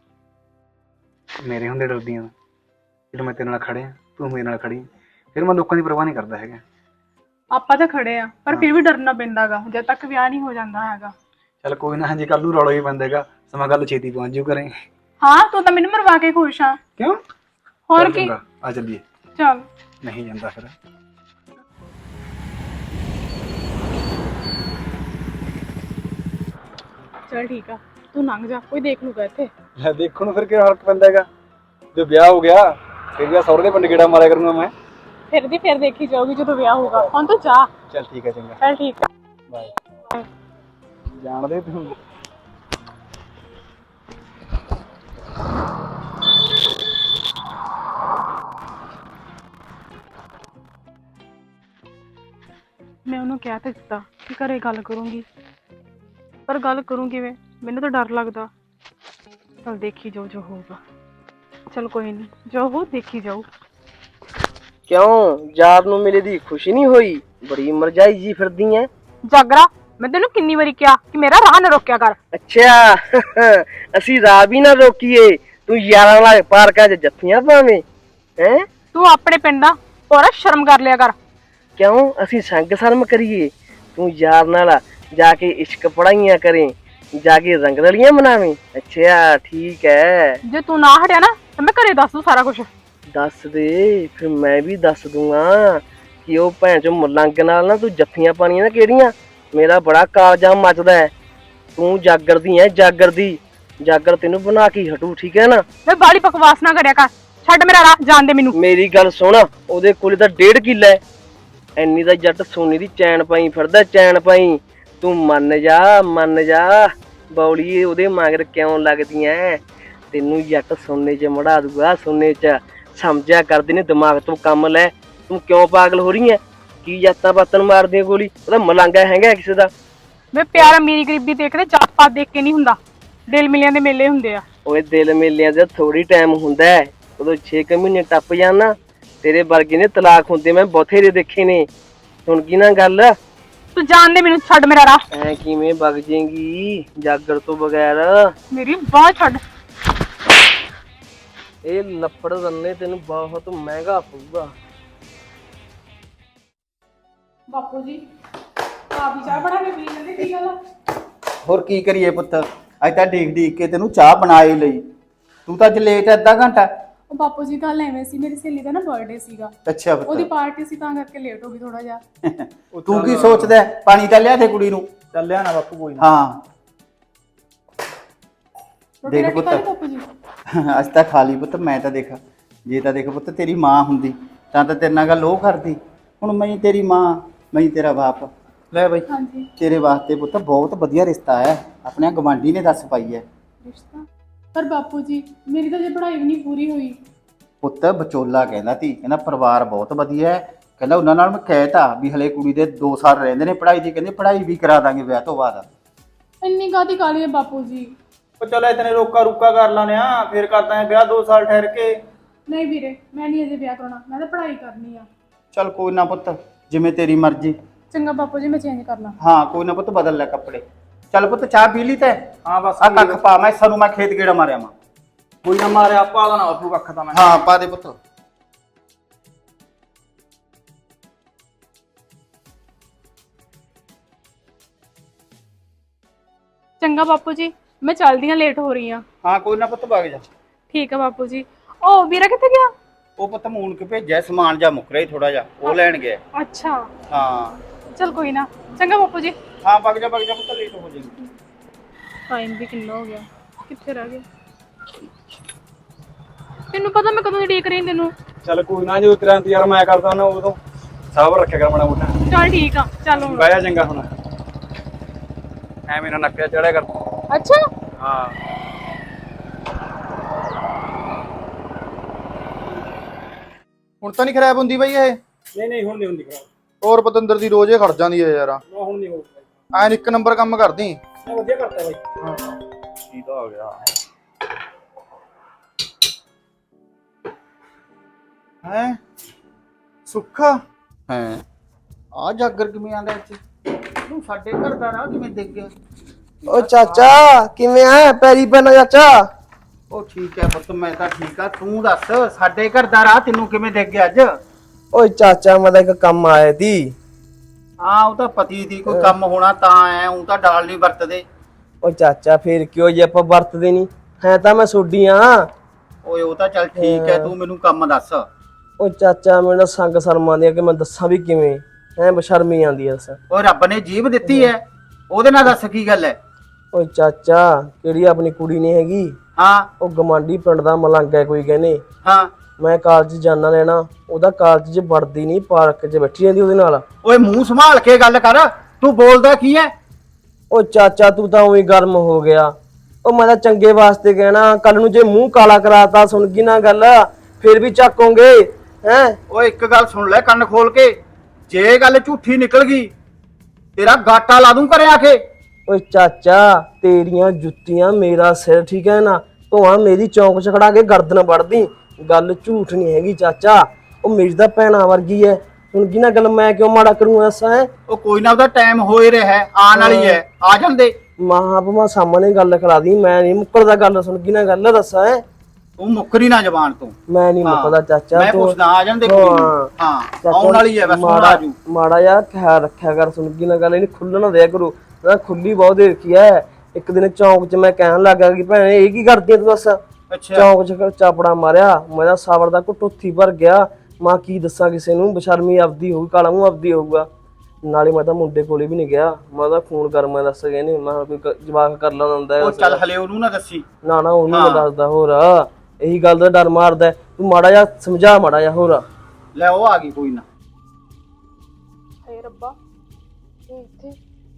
[SPEAKER 2] ਮੇਰੇ ਹੁੰਦੇ ਡਰਦੀਆਂ ਜਦੋਂ ਮੈਂ ਤੇਰੇ ਨਾਲ ਖੜਿਆ ਤੂੰ ਮੇਰੇ ਨਾਲ ਖੜੀ ਫਿਰ ਮੈਂ ਲੋਕਾਂ ਦੀ ਪਰਵਾਹ ਨਹੀਂ ਕਰਦਾ ਹੈਗਾ।
[SPEAKER 1] ਆਪਾਂ ਤਾਂ ਖੜੇ ਆ ਪਰ ਫਿਰ ਵੀ ਡਰਨਾ ਪੈਂਦਾ ਗਾ ਜਦ ਤੱਕ ਵਿਆਹ ਨਹੀਂ ਹੋ ਜਾਂਦਾ ਹੈਗਾ।
[SPEAKER 2] ਚੱਲ ਕੋਈ ਨਾ ਹਾਂਜੀ ਕੱਲ ਨੂੰ ਰੌਲਾ ਹੀ ਪੈਂਦਾ ਹੈਗਾ ਸਮਾਂ ਗੱਲ ਛੇਤੀ ਪਹੁੰਚ ਜੂ ਕਰੇ।
[SPEAKER 1] ਹਾਂ ਤੂੰ ਤਾਂ ਮੈਨੂੰ ਮਰਵਾ ਕੇ ਖੁਸ਼ ਆ।
[SPEAKER 2] ਕਿਉਂ?
[SPEAKER 1] ਹੋਰ
[SPEAKER 2] ਚੱਲ
[SPEAKER 1] ਕੀ
[SPEAKER 2] ਚੰਗਾ, ਆ ਚੱਲੀਏ।
[SPEAKER 1] ਚੱਲ
[SPEAKER 2] ਨਹੀਂ ਜਾਂਦਾ ਫਿਰ
[SPEAKER 1] ਚੱਲ ਠੀਕ ਆ ਤੂੰ ਲੰਘ ਜਾ ਕੋਈ ਦੇਖ ਲੂਗਾ ਇੱਥੇ।
[SPEAKER 2] ਲੈ ਦੇਖਣ ਨੂੰ ਫਿਰ ਕਿਹੜਾ ਫਰਕ ਪੈਂਦਾ ਹੈਗਾ ਜੇ ਵਿਆਹ ਹੋ ਗਿਆ ਫਿਰ ਵੀ ਸਹੁਰੇ ਦੇ ਪਿੰਡ ਗੇੜਾ ਮਾਰਿਆ ਕਰੂੰਗਾ ਮੈਂ।
[SPEAKER 1] ਫਿਰ ਦੀ ਫਿਰ ਦੇਖੀ ਜਾਊਗੀ ਜਦੋਂ ਵਿਆਹ ਹੋਊਗਾ ਹੁਣ ਤੂੰ ਜਾ।
[SPEAKER 2] ਚੱਲ ਠੀਕ ਹੈ ਚੰਗਾ
[SPEAKER 1] ਚੱਲ ਠੀਕ ਆ
[SPEAKER 2] ਬਾਏ। ਜਾਣਦੇ ਤੂੰ
[SPEAKER 1] ਮੈਂ ਉਹਨੂੰ ਕਹਿ ਤਾਂ ਦਿੱਤਾ ਕਿ ਘਰੇ ਗੱਲ ਕਰੂੰਗੀ ਪਰ ਗੱਲ ਕਰੂੰ ਕਿਵੇਂ ਮੈਨੂੰ ਤਾਂ ਡਰ ਲੱਗਦਾ। ਚਲ ਦੇਖੀ ਜਾਓ ਜੋ ਹੋਊਗਾ। ਚਲ ਕੋਈ ਨਹੀਂ ਜੋ ਹੋ ਦੇਖੀ ਜਾਓ।
[SPEAKER 3] ਕਿਉਂ ਯਾਰ ਨੂੰ ਮਿਲੇ ਦੀ ਖੁਸ਼ੀ ਨਹੀਂ ਹੋਈ? ਬੜੀ ਮਰਜਾਈ ਜੀ ਫਿਰਦੀ ਐ।
[SPEAKER 1] ਜਾਗਰਾ ਮੈਂ ਤੈਨੂੰ ਕਿੰਨੀ ਵਾਰੀ ਕਿਹਾ ਕਿ ਮੇਰਾ ਰਾਹ ਨਾ ਰੋਕਿਆ ਕਰ।
[SPEAKER 3] ਅੱਛਾ ਅਸੀਂ ਰਾਹ ਵੀ ਨਾ ਰੋਕੀਏ ਤੂੰ ਯਾਰਾਂ ਨਾਲ ਪਾਰਕਾਂ 'ਚ ਜੱਫੀਆਂ ਪਾਵੇਂ ਹੈ।
[SPEAKER 1] ਤੂੰ ਆਪਣੇ ਪਿੰਡ ਦਾ ਪੂਰਾ ਸ਼ਰਮ ਕਰ ਲਿਆ ਕਰ।
[SPEAKER 3] ਕਿਉਂ ਅਸੀਂ ਸੰਗ ਸ਼ਰਮ ਕਰੀਏ? ਤੂੰ ਯਾਰ ਨਾਲ ਜਾ ਕੇ ਇਸ਼ਕ ਪੜਾਈਆਂ ਕਰੇ ਜਾ ਕੇ ਰੰਗ ਰਲੀਆਂ ਮਨਾਵੇਂ। ਅੱਛਾ ਠੀਕ ਹੈ
[SPEAKER 1] ਜੇ ਤੂੰ ਨਾ ਹਟਿਆ ਨਾ ਤਾਂ ਮੈਂ ਘਰੇ ਦੱਸ ਦੂੰ ਸਾਰਾ ਕੁਝ।
[SPEAKER 3] ਦੱਸ ਦੇ ਫਿਰ ਮੈਂ ਵੀ ਦੱਸ ਦੂੰਗਾ ਕਿ ਉਹ ਭੈਣ ਚੋਂ ਮਲੰਗ ਨਾਲ ਨਾ ਤੂੰ ਜੱਫੀਆਂ ਪਾਣੀਆਂ ਨਾ ਕਿਹੜੀਆਂ। ਮੇਰਾ ਬੜਾ ਕਾਲਜਾ ਮੱਚਦਾ ਹੈ। ਤੂੰ ਜਾਗਰਦੀ ਐ ਜਾਗਰਦੀ ਜਾਗਰ ਤੈਨੂੰ ਬਣਾ ਕੇ ਹਟੂ ਠੀਕ ਹੈ ਨਾ।
[SPEAKER 1] ਮੈਂ ਬਾਲੀ ਬਕਵਾਸ ਨਾ ਕਰਿਆ ਕਰ ਛੱਡ ਮੇਰਾ ਰਾਹ ਜਾਣ ਦੇ ਮੈਨੂੰ।
[SPEAKER 3] ਮੇਰੀ ਗੱਲ ਸੁਣ ਉਹਦੇ ਕੋਲੇ ਤਾਂ 1.5 ਕਿੱਲਾ ਹੈ। ਐਨੀ ਦਾ ਜੱਟ ਸੋਨੇ ਦੀ ਚੈਨ ਪਾਈ ਫਿਰਦਾ ਚੈਨ ਪਾਈ। ਤੂੰ ਮੰਨ ਜਾ ਬੌਲੀਏ ਉਹਦੇ ਮਗਰ ਕਿਉਂ ਲੱਗਦੀ ਐ? ਤੈਨੂੰ ਜੱਟ ਸੋਨੇ 'ਚ ਮੜਾ ਦੂਗਾ, ਸੋਨੇ 'ਚ। ਸਮਝਿਆ ਕਰਦੀ ਨੇ, ਦਿਮਾਗ ਤੋਂ ਕੰਮ ਲੈ। ਤੂੰ ਕਿਉਂ ਪਾਗਲ ਹੋ ਰਹੀ ਐ? ਕੀ ਜਾਤਾਂ ਪਾਤਾਂ ਨੂੰ ਮਾਰਦੀ ਆਂ ਗੋਲੀ? ਉਹਦਾ ਮਲੰਗਾ ਹੈਗਾ ਕਿਸੇ ਦਾ।
[SPEAKER 1] ਵੇ ਪਿਆਰ ਅਮੀਰੀ ਗਰੀਬੀ ਦੇਖਦੇ, ਜਾਤ ਪਾਤ ਦੇਖ ਕੇ ਨਹੀਂ ਹੁੰਦਾ। ਦਿਲ ਮਿਲਿਆਂ ਦੇ ਮੇਲੇ ਹੁੰਦੇ ਆ।
[SPEAKER 3] ਓਏ ਦਿਲ ਮੇਲਿਆਂ ਦਾ ਥੋੜੀ ਟਾਈਮ ਹੁੰਦਾ ਹੈ, ਉਦੋਂ 6 ਮਹੀਨੇ ਟੱਪ ਜਾਣ ਨਾ, ਤੇਰੇ ਵਰਗੇ ਨੇ ਤਲਾਕ ਹੁੰਦੇ ਮੈਂ ਬਥੇਰੇ ਦੇਖੇ ਨੇ। ਸੁਣ ਗਈ ਨਾ ਗੱਲ?
[SPEAKER 1] ਤੂੰ ਜਾਣ ਦੇ ਮੈਨੂੰ, ਛੱਡ ਮੇਰਾ ਰਾਹ।
[SPEAKER 3] ਐ ਕਿਵੇਂ ਵਗ ਜੇਗੀ ਜਾਗਰ ਤੋਂ ਬਗੈਰ?
[SPEAKER 1] ਮੇਰੀ ਬਾਹ ਛੱਡ।
[SPEAKER 3] ਇਹ ਲੱਫੜ ਰੰਨੇ ਤੈਨੂੰ ਬਹੁਤ ਮਹਿੰਗਾ ਪਊਗਾ।
[SPEAKER 1] ਬਾਪੂ ਜੀ ਆਪ ਹੀ ਚਾਹ ਬਣਾ ਕੇ ਪੀ ਲੈਂਦੇ, ਕੀ ਗੱਲ ਆ?
[SPEAKER 4] ਹੋਰ ਕੀ ਕਰੀਏ ਪੁੱਤ, ਅੱਜ ਤਾਂ ਡੀਕ ਡੀਕ ਕੇ ਤੈਨੂੰ ਚਾਹ ਬਣਾ ਹੀ ਲਈ। ਤੂੰ ਤਾਂ ਅੱਜ ਲੇਟ ਹੈ ਅੱਧਾ ਘੰਟਾ।
[SPEAKER 1] ਉਹ ਬਾਪੂ ਜੀ ਗੱਲ ਐਵੇਂ ਸੀ, ਮੇਰੀ ਸਹੇਲੀ ਦਾ ਨਾ ਬਰਥਡੇ ਸੀਗਾ,
[SPEAKER 4] ਅੱਛਾ
[SPEAKER 1] ਉਹਦੀ
[SPEAKER 4] ਪੁੱਤ,
[SPEAKER 1] ਪਾਰਟੀ ਸੀ, ਤਾਂ ਕਰਕੇ ਲੇਟ ਹੋ ਗਈ ਥੋੜਾ ਜਿਹਾ।
[SPEAKER 4] ਤੂੰ ਕੀ ਸੋਚਦਾ ਹੈ? ਪਾਣੀ ਤਾਂ ਲਿਆ ਦੇ ਕੁੜੀ ਨੂੰ।
[SPEAKER 5] ਚੱਲਿਆ ਨਾ ਬਾਪੂ ਕੋਈ ਨਾ।
[SPEAKER 4] ਹਾਂ
[SPEAKER 1] ਰੋਟੀ
[SPEAKER 4] ਦੇਖ
[SPEAKER 1] ਰਾਟੀ
[SPEAKER 4] ਪੁੱਤ।
[SPEAKER 1] ਖਾ ਲਈ ਬਾਪੂ ਜੀ?
[SPEAKER 4] ਅੱਜ ਤਾਂ ਖਾ ਲਈ ਪੁੱਤ। ਮੈਂ ਤਾਂ ਦੇਖ, ਜੇ ਤਾਂ ਦੇਖ ਪੁੱਤ ਤੇਰੀ ਮਾਂ ਹੁੰਦੀ ਤਾਂ ਤੇਰੇ ਨਾਲ ਗੱਲ ਉਹ ਕਰਦੀ। ਹੁਣ ਮੈਂ ਤੇਰੀ ਮਾਂ, ਮੈਂ ਤੇਰਾ ਬਾਪ। ਲੈ ਬਈ
[SPEAKER 1] ਹਾਂਜੀ।
[SPEAKER 4] ਤੇਰੇ ਵਾਸਤੇ ਪੁੱਤ ਬਹੁਤ ਵਧੀਆ ਰਿਸ਼ਤਾ ਹੈ, ਆਪਣੇ ਗਵਾਂਢੀ ਨੇ ਦੱਸ ਪਾਈ ਹੈ।
[SPEAKER 1] ਰਿਸ਼ਤਾ? ਪਰ ਬਾਪੂ ਜੀ ਮੇਰੀ ਤਾਂ ਜੇ ਪੜ੍ਹਾਈ ਵੀ ਨਹੀਂ ਪੂਰੀ ਹੋਈ।
[SPEAKER 4] ਪੁੱਤ ਵਿਚੋਲਾ ਕਹਿੰਦਾ ਤੀ, ਕਹਿੰਦਾ ਪਰਿਵਾਰ ਬਹੁਤ ਵਧੀਆ ਹੈ। ਕਹਿੰਦਾ ਉਹਨਾਂ ਨਾਲ ਮੈਂ ਕਹਿਤਾ ਵੀ ਹਲੇ ਕੁੜੀ ਦੇ 2 ਸਾਲ ਰਹਿੰਦੇ ਨੇ ਪੜ੍ਹਾਈ ਦੀ, ਕਹਿੰਦੇ ਪੜ੍ਹਾਈ ਵੀ ਕਰਾ ਦਾਂਗੇ ਵਿਆਹ ਤੋਂ ਬਾਅਦ।
[SPEAKER 1] ਇੰਨੀ ਕਾਹਦੀ ਕਾਹਲੀ ਹੈ ਬਾਪੂ ਜੀ?
[SPEAKER 5] ਉਹ ਚੱਲ ਇਤਨੇ ਰੋਕਾ ਰੁਕਾ ਕਰ ਲਾਨੇ ਆ, ਫਿਰ ਕਰਦਾ ਹੈ ਵਿਆਹ 2 ਸਾਲ ਠਹਿਰ ਕੇ।
[SPEAKER 1] ਨਹੀਂ ਵੀਰੇ, ਮੈਂ ਨਹੀਂ ਅਜੇ ਵਿਆਹ ਕਰਾਉਣਾ, ਮੈਂ ਤਾਂ ਪੜ੍ਹਾਈ ਕਰਨੀ ਆ।
[SPEAKER 4] ਚੱਲ ਕੋਈ ਨਾ ਪੁੱਤ, ਜਿਵੇਂ ਤੇਰੀ ਮਰਜ਼ੀ।
[SPEAKER 1] ਚੰਗਾ ਬਾਪੂ ਜੀ, ਮੈਂ ਚੇਂਜ ਕਰ ਲਾਂ।
[SPEAKER 4] ਹਾਂ ਕੋਈ ਨਾ ਪੁੱਤ, ਬਦਲ ਲੈ ਕੱਪੜੇ। ਚੱਲ ਪੁੱਤ ਚਾਹ ਪੀ ਲਈ ਤੈ?
[SPEAKER 5] ਹਾਂ ਬਸ
[SPEAKER 4] ਆ ਕੱਖ ਪਾ, ਮੈਂ ਸਾਨੂੰ ਮੈਂ ਖੇਤ ਗੇੜਾ ਮਾਰਿਆ ਮਾਂ।
[SPEAKER 5] ਕੋਈ ਨਾ ਮਾਰਿਆ ਪਾ ਦੇਣਾ ਬਾਪੂ ਕੱਖ ਤਾਂ ਮੈਂ।
[SPEAKER 4] ਹਾਂ ਪਾ ਦੇ ਪੁੱਤ।
[SPEAKER 1] ਚੰਗਾ ਬਾਪੂ ਜੀ, ਮੈਂ ਚੱਲਦੀ ਹਾਂ, ਲੇਟ ਹੋ ਰਹੀ ਹਾਂ।
[SPEAKER 4] ਹਾਂ ਕੋਈ ਨਾ ਪੁੱਤ, ਵਗ ਜਾ।
[SPEAKER 1] ਠੀਕ ਆ ਬਾਪੂ ਜੀ। ਉਹ ਵੀਰਾ ਕਿੱਥੇ ਗਿਆ?
[SPEAKER 4] ਉਹ ਪੁੱਤ ਮੂਨ ਕੇ ਭੇਜਿਆ, ਸਮਾਨ ਜਾ ਮੁੱਕ ਰਿਹਾ ਥੋੜਾ ਜਿਹਾ, ਉਹ ਲੈਣ ਗਿਆ।
[SPEAKER 1] ਅੱਛਾ,
[SPEAKER 4] ਹਾਂ
[SPEAKER 1] ਚਲ ਕੋਈ ਨਾ। ਚੰਗਾ ਬਾਪੂ ਜੀ।
[SPEAKER 4] ਹਾਂ ਵਗ ਜਾ ਪੁੱਤ, ਲੇਟ ਹੋ ਜਾਏਗੀ।
[SPEAKER 1] ਟਾਈਮ ਵੀ ਕਿੰਨਾ ਹੋ ਗਿਆ, ਕਿੱਥੇ ਰਹਿ ਗਿਆ? ਤੈਨੂੰ ਪਤਾ ਮੈਂ ਕਦੋਂ ਦੀ ਉਡੀਕ ਰਹੀ ਤੈਨੂੰ।
[SPEAKER 5] ਚੱਲ ਕੋਈ ਨਾ, ਜਦੋਂ ਤੇਰਾ ਇੰਤਜ਼ਾਰ ਮੈਂ ਕਰਦਾ ਨਾ ਉਦੋਂ ਸਬਰ ਰੱਖਿਆ ਕਰ ਮਾੜਾ ਮੋਟਾ।
[SPEAKER 1] ਚੱਲ ਠੀਕ ਆ, ਚੱਲ ਹੁਣ।
[SPEAKER 5] ਬਹਿ ਜਾ ਚੰਗਾ ਹੁਣ, ਐਵੇਂ ਨਾ ਨੱਕਿਆ ਚੜਿਆ ਕਰ।
[SPEAKER 1] ਅੱਛਾ,
[SPEAKER 5] ਹਾਂ
[SPEAKER 6] ਹੁਣ ਤਾਂ ਨਹੀਂ ਖਰਾਬ ਹੁੰਦੀ ਬਈ ਇਹ?
[SPEAKER 5] ਨਹੀਂ ਨਹੀਂ ਹੁਣ ਨਹੀਂ ਹੁੰਦੀ ਖਰਾਬ।
[SPEAKER 6] ਹੋਰ ਪਤੰਦਰ ਦੀ ਰੋਜ਼ ਹੀ ਖੜ ਜਾਂਦੀ ਹੈ ਯਾਰ।
[SPEAKER 5] ਹੁਣ ਨਹੀਂ ਹੋਊਗਾ।
[SPEAKER 6] ਐਨ ਇੱਕ ਨੰਬਰ ਕੰਮ ਕਰਦੀ।
[SPEAKER 5] ਮੈਂ ਵਧੀਆ ਕਰਤਾ ਬਾਈ।
[SPEAKER 6] ਕੀ ਤਾਂ ਹੋ ਗਿਆ ਹੈ? ਸੁੱਖਾ ਹੈ? ਆ ਜਾਗਰ ਕਿਵੇਂ ਆਂਦਾ ਇੱਥੇ? ਤੂੰ ਸਾਡੇ ਘਰ ਦਾ ਰਾਹ ਕਿਵੇਂ ਦੇਖ ਗਿਆ?
[SPEAKER 3] ਓ ਚਾਚਾ ਕਿਵੇਂ ਆ? ਪੈਰੀ ਪੈਣਾ ਚਾਚਾ।
[SPEAKER 4] ਉਹ ਠੀਕ ਹੈ ਪੁੱਤ, ਮੈਂ ਤਾਂ ਠੀਕ ਆ। ਤੂੰ ਦੱਸ, ਸਾਡੇ ਘਰ ਦਾ ਰਾਹ ਤੈਨੂੰ ਕਿਵੇਂ ਦੇਖ ਗਿਆ ਅੱਜ?
[SPEAKER 3] ਓਏ ਚਾਚਾ ਮੈਂ ਤਾਂ ਇੱਕ ਕੰਮ ਆਇਆ ਤੀ।
[SPEAKER 4] ਹਾਂ ਉਹ ਤਾਂ ਪਤੀ ਦੀ ਕੋਈ ਕੰਮ ਹੋਣਾ ਤਾਂ ਆਇਆ, ਉਹ ਤਾਂ ਡਾਲ ਨਹੀਂ ਵਰਤਦੇ।
[SPEAKER 3] ਓ ਚਾਚਾ ਫੇਰ ਕਿਉਂ ਜੇ ਆਪਾਂ ਵਰਤਦੇ ਨਹੀਂ ਹੈ, ਤਾਂ ਮੈਂ ਸੋਡੀ ਆ।
[SPEAKER 4] ਓਏ ਉਹ ਤਾਂ ਚੱਲ ਠੀਕ ਹੈ, ਤੂੰ ਮੈਨੂੰ ਕੰਮ ਦੱਸ।
[SPEAKER 3] ਓ ਚਾਚਾ ਮੈਨੂੰ ਸੰਗ ਸ਼ਰਮ ਆਉਂਦੀ ਆ ਕਿ ਮੈਂ ਦੱਸਾਂ ਵੀ ਕਿਵੇਂ, ਹੈ ਬਸ਼ਰਮੀ ਆਉਂਦੀ ਐ।
[SPEAKER 4] ਓਏ ਰੱਬ ਨੇ ਜੀਭ ਦਿੱਤੀ ਹੈ, ਉਹਦੇ ਨਾਲ ਦੱਸ ਕੀ ਗੱਲ ਹੈ?
[SPEAKER 3] ਓਏ ਚਾਚਾ ਕਿਹੜੀ ਆਪਣੀ ਕੁੜੀ ਨਹੀਂ ਹੈਗੀ,
[SPEAKER 4] ਹਾਂ
[SPEAKER 3] ਉਹ ਗਮਾਂਡੀ ਪਿੰਡ ਦਾ ਮਲੰਗ ਹੈ ਕੋਈ ਕਹਿੰਦੇ।
[SPEAKER 4] ਹਾਂ।
[SPEAKER 3] ਮੈਂ ਕਾਲਜ ਜਾਣਾ ਲੈਣਾ, ਉਹਦਾ ਕਾਲਜ 'ਚ ਵੜਦੀ ਨਹੀਂ, ਪਾਰਕ 'ਚ ਬੈਠੀ ਰਹਿੰਦੀ ਉਹਦੇ ਨਾਲ।
[SPEAKER 4] ਓਏ ਮੂੰਹ ਸੰਭਾਲ ਕੇ ਗੱਲ ਕਰ, ਤੂੰ ਬੋਲਦਾ ਕੀ ਹੈ?
[SPEAKER 3] ਓ ਚਾਚਾ ਤੂੰ ਤਾਂ ਉਹੀ ਗਰਮ ਹੋ ਗਿਆ। ਉਹ ਮੈਂ ਤਾਂ ਚੰਗੇ ਵਾਸਤੇ ਕਹਿਣਾ, ਕੱਲ ਨੂੰ ਜੇ ਮੂੰਹ ਕਾਲਾ ਕਰਾਤਾ ਸੁਣ ਗਈ ਨਾ ਗੱਲ, ਫਿਰ ਵੀ ਚੱਕੋਗੇ ਹੈ।
[SPEAKER 4] ਓਏ ਇੱਕ ਗੱਲ ਸੁਣ ਲੈ ਕੰਨ ਖੋਲ ਕੇ, ਜੇ ਗੱਲ ਝੂਠੀ ਨਿਕਲ ਗਈ ਤੇਰਾ ਗਾਟਾ ਲਾ ਦੂੰ ਘਰੇ ਆ ਕੇ।
[SPEAKER 3] ਓਏ ਚਾਚਾ ਤੇਰੀਆਂ ਜੁੱਤੀਆਂ ਮੇਰਾ ਸਿਰ, ਠੀਕ ਹੈ ਨਾ? ਧੋਆ ਮੇਰੀ ਚੌਂਕ 'ਚ ਖੜਾ ਕੇ ਗਰਦਨ ਵੜਦੀ, ਗੱਲ ਝੂਠ ਨਹੀਂ ਹੈਗੀ ਚਾਚਾ। ਉਹ ਮੇਰੀ ਤਾਂ ਭੈਣਾ ਵਰਗੀ ਹੈ, ਹੁਣ ਕੀ ਨਾ ਗੱਲ ਮੈਂ ਕਿਉਂ ਮਾੜਾ ਕਰੂੰ ਐਸਾ ਹੈ?
[SPEAKER 4] ਉਹ ਕੋਈ ਨਾ, ਉਹਦਾ ਟਾਈਮ ਹੋਏ ਰਿਹਾ ਹੈ, ਆਉਣ ਵਾਲੀ ਹੈ, ਆ ਜਾਂਦੇ।
[SPEAKER 3] ਮਾਂ ਸਾਹਮਣੇ ਗੱਲ ਕਰਾ ਦੀ, ਮੈਂ ਨਹੀਂ ਮੁੱਕਰਦਾ। ਗੱਲ ਸੁਣ ਕੀ ਨਾ ਗੱਲ ਦੱਸਾਂ ਹੈ,
[SPEAKER 4] ਤੂੰ ਮੁੱਕਰੀ ਨਾ ਜ਼ਬਾਨ ਤੋਂ।
[SPEAKER 3] ਮੈਂ ਨਹੀਂ ਮੁੱਕਦਾ ਚਾਚਾ।
[SPEAKER 4] ਮੈਂ
[SPEAKER 3] ਤੂੰ
[SPEAKER 4] ਪੁੱਛਦਾ ਆ ਜਾਂਦੇ ਕੋਈ ਨੀ। ਹਾਂ ਆਉਣ ਵਾਲੀ ਹੈ, ਬਸ ਹੁਣ ਆ ਜੂ।
[SPEAKER 3] ਮਾੜਾ ਜਿਹਾ ਖਿਆਲ ਰੱਖਿਆ ਕਰ, ਸੁਣ ਕੀ ਨਾ ਗੱਲ ਇਹਨੂੰ ਖੁੱਲਣ ਦਿਆ ਕਰੋ ਨਾ, ਖੁੱਲੀ ਬਹੁਤ ਦੇ ਰੱਖੀ ਹੈ। ਇੱਕ ਦਿਨ ਚੌਂਕ 'ਚ ਮੈਂ ਕਹਿਣ ਲੱਗਾ ਕਿ ਭੈਣੇ ਇਹ ਕੀ ਕਰਦੀ ਤੂੰ ਦੱਸ।
[SPEAKER 4] ਅੱਛਾ
[SPEAKER 3] ਚੌਂਕ 'ਚ ਚਾਪੜਾ ਮਾਰਿਆ, ਮੇਰਾ ਸਾਵਰ ਦਾ ਘੁੱਟ ਉੱਥੀ ਭਰ ਗਿਆ। ਮਾਂ ਕੀ ਦੱਸਾਂ ਕਿਸੇ ਨੂੰ, ਬਸ਼ਰਮੀ ਆਪਦੀ ਹੋਊ, ਕਾਲਾ ਮੂੰਹ ਆਪਦੀ ਹੋਊਗਾ। ਨਾਲੇ ਮੈਂ ਤਾਂ ਮੁੰਡੇ ਕੋਲੇ ਵੀ ਨਹੀਂ ਗਿਆ, ਮੈਂ ਤਾਂ ਫੋਨ ਕਰ ਮੈਂ ਦੱਸ ਗਏ ਨੇ, ਮੈਂ ਕੋਈ ਜਵਾਕ ਕਰ ਲੈਣਾ ਹੁੰਦਾ।
[SPEAKER 4] ਉਹ ਚੱਲ ਹਲੇ ਉਹਨੂੰ ਨਾ ਦੱਸੀ।
[SPEAKER 3] ਨਾ ਉਹਨੂੰ ਮੈਂ ਦੱਸਦਾ, ਹੋਰ ਇਹੀ ਗੱਲ ਦਾ ਡਰ ਮਾਰਦਾ। ਤੂੰ ਮਾੜਾ ਜਿਹਾ ਸਮਝਾ, ਮਾੜਾ ਜਿਹਾ ਹੋਰ।
[SPEAKER 4] ਲੈ ਉਹ ਆ ਗਈ, ਕੋਈ ਨਾ।
[SPEAKER 1] ਹੇ ਰੱਬਾ, ਇਹ ਇੱਥੇ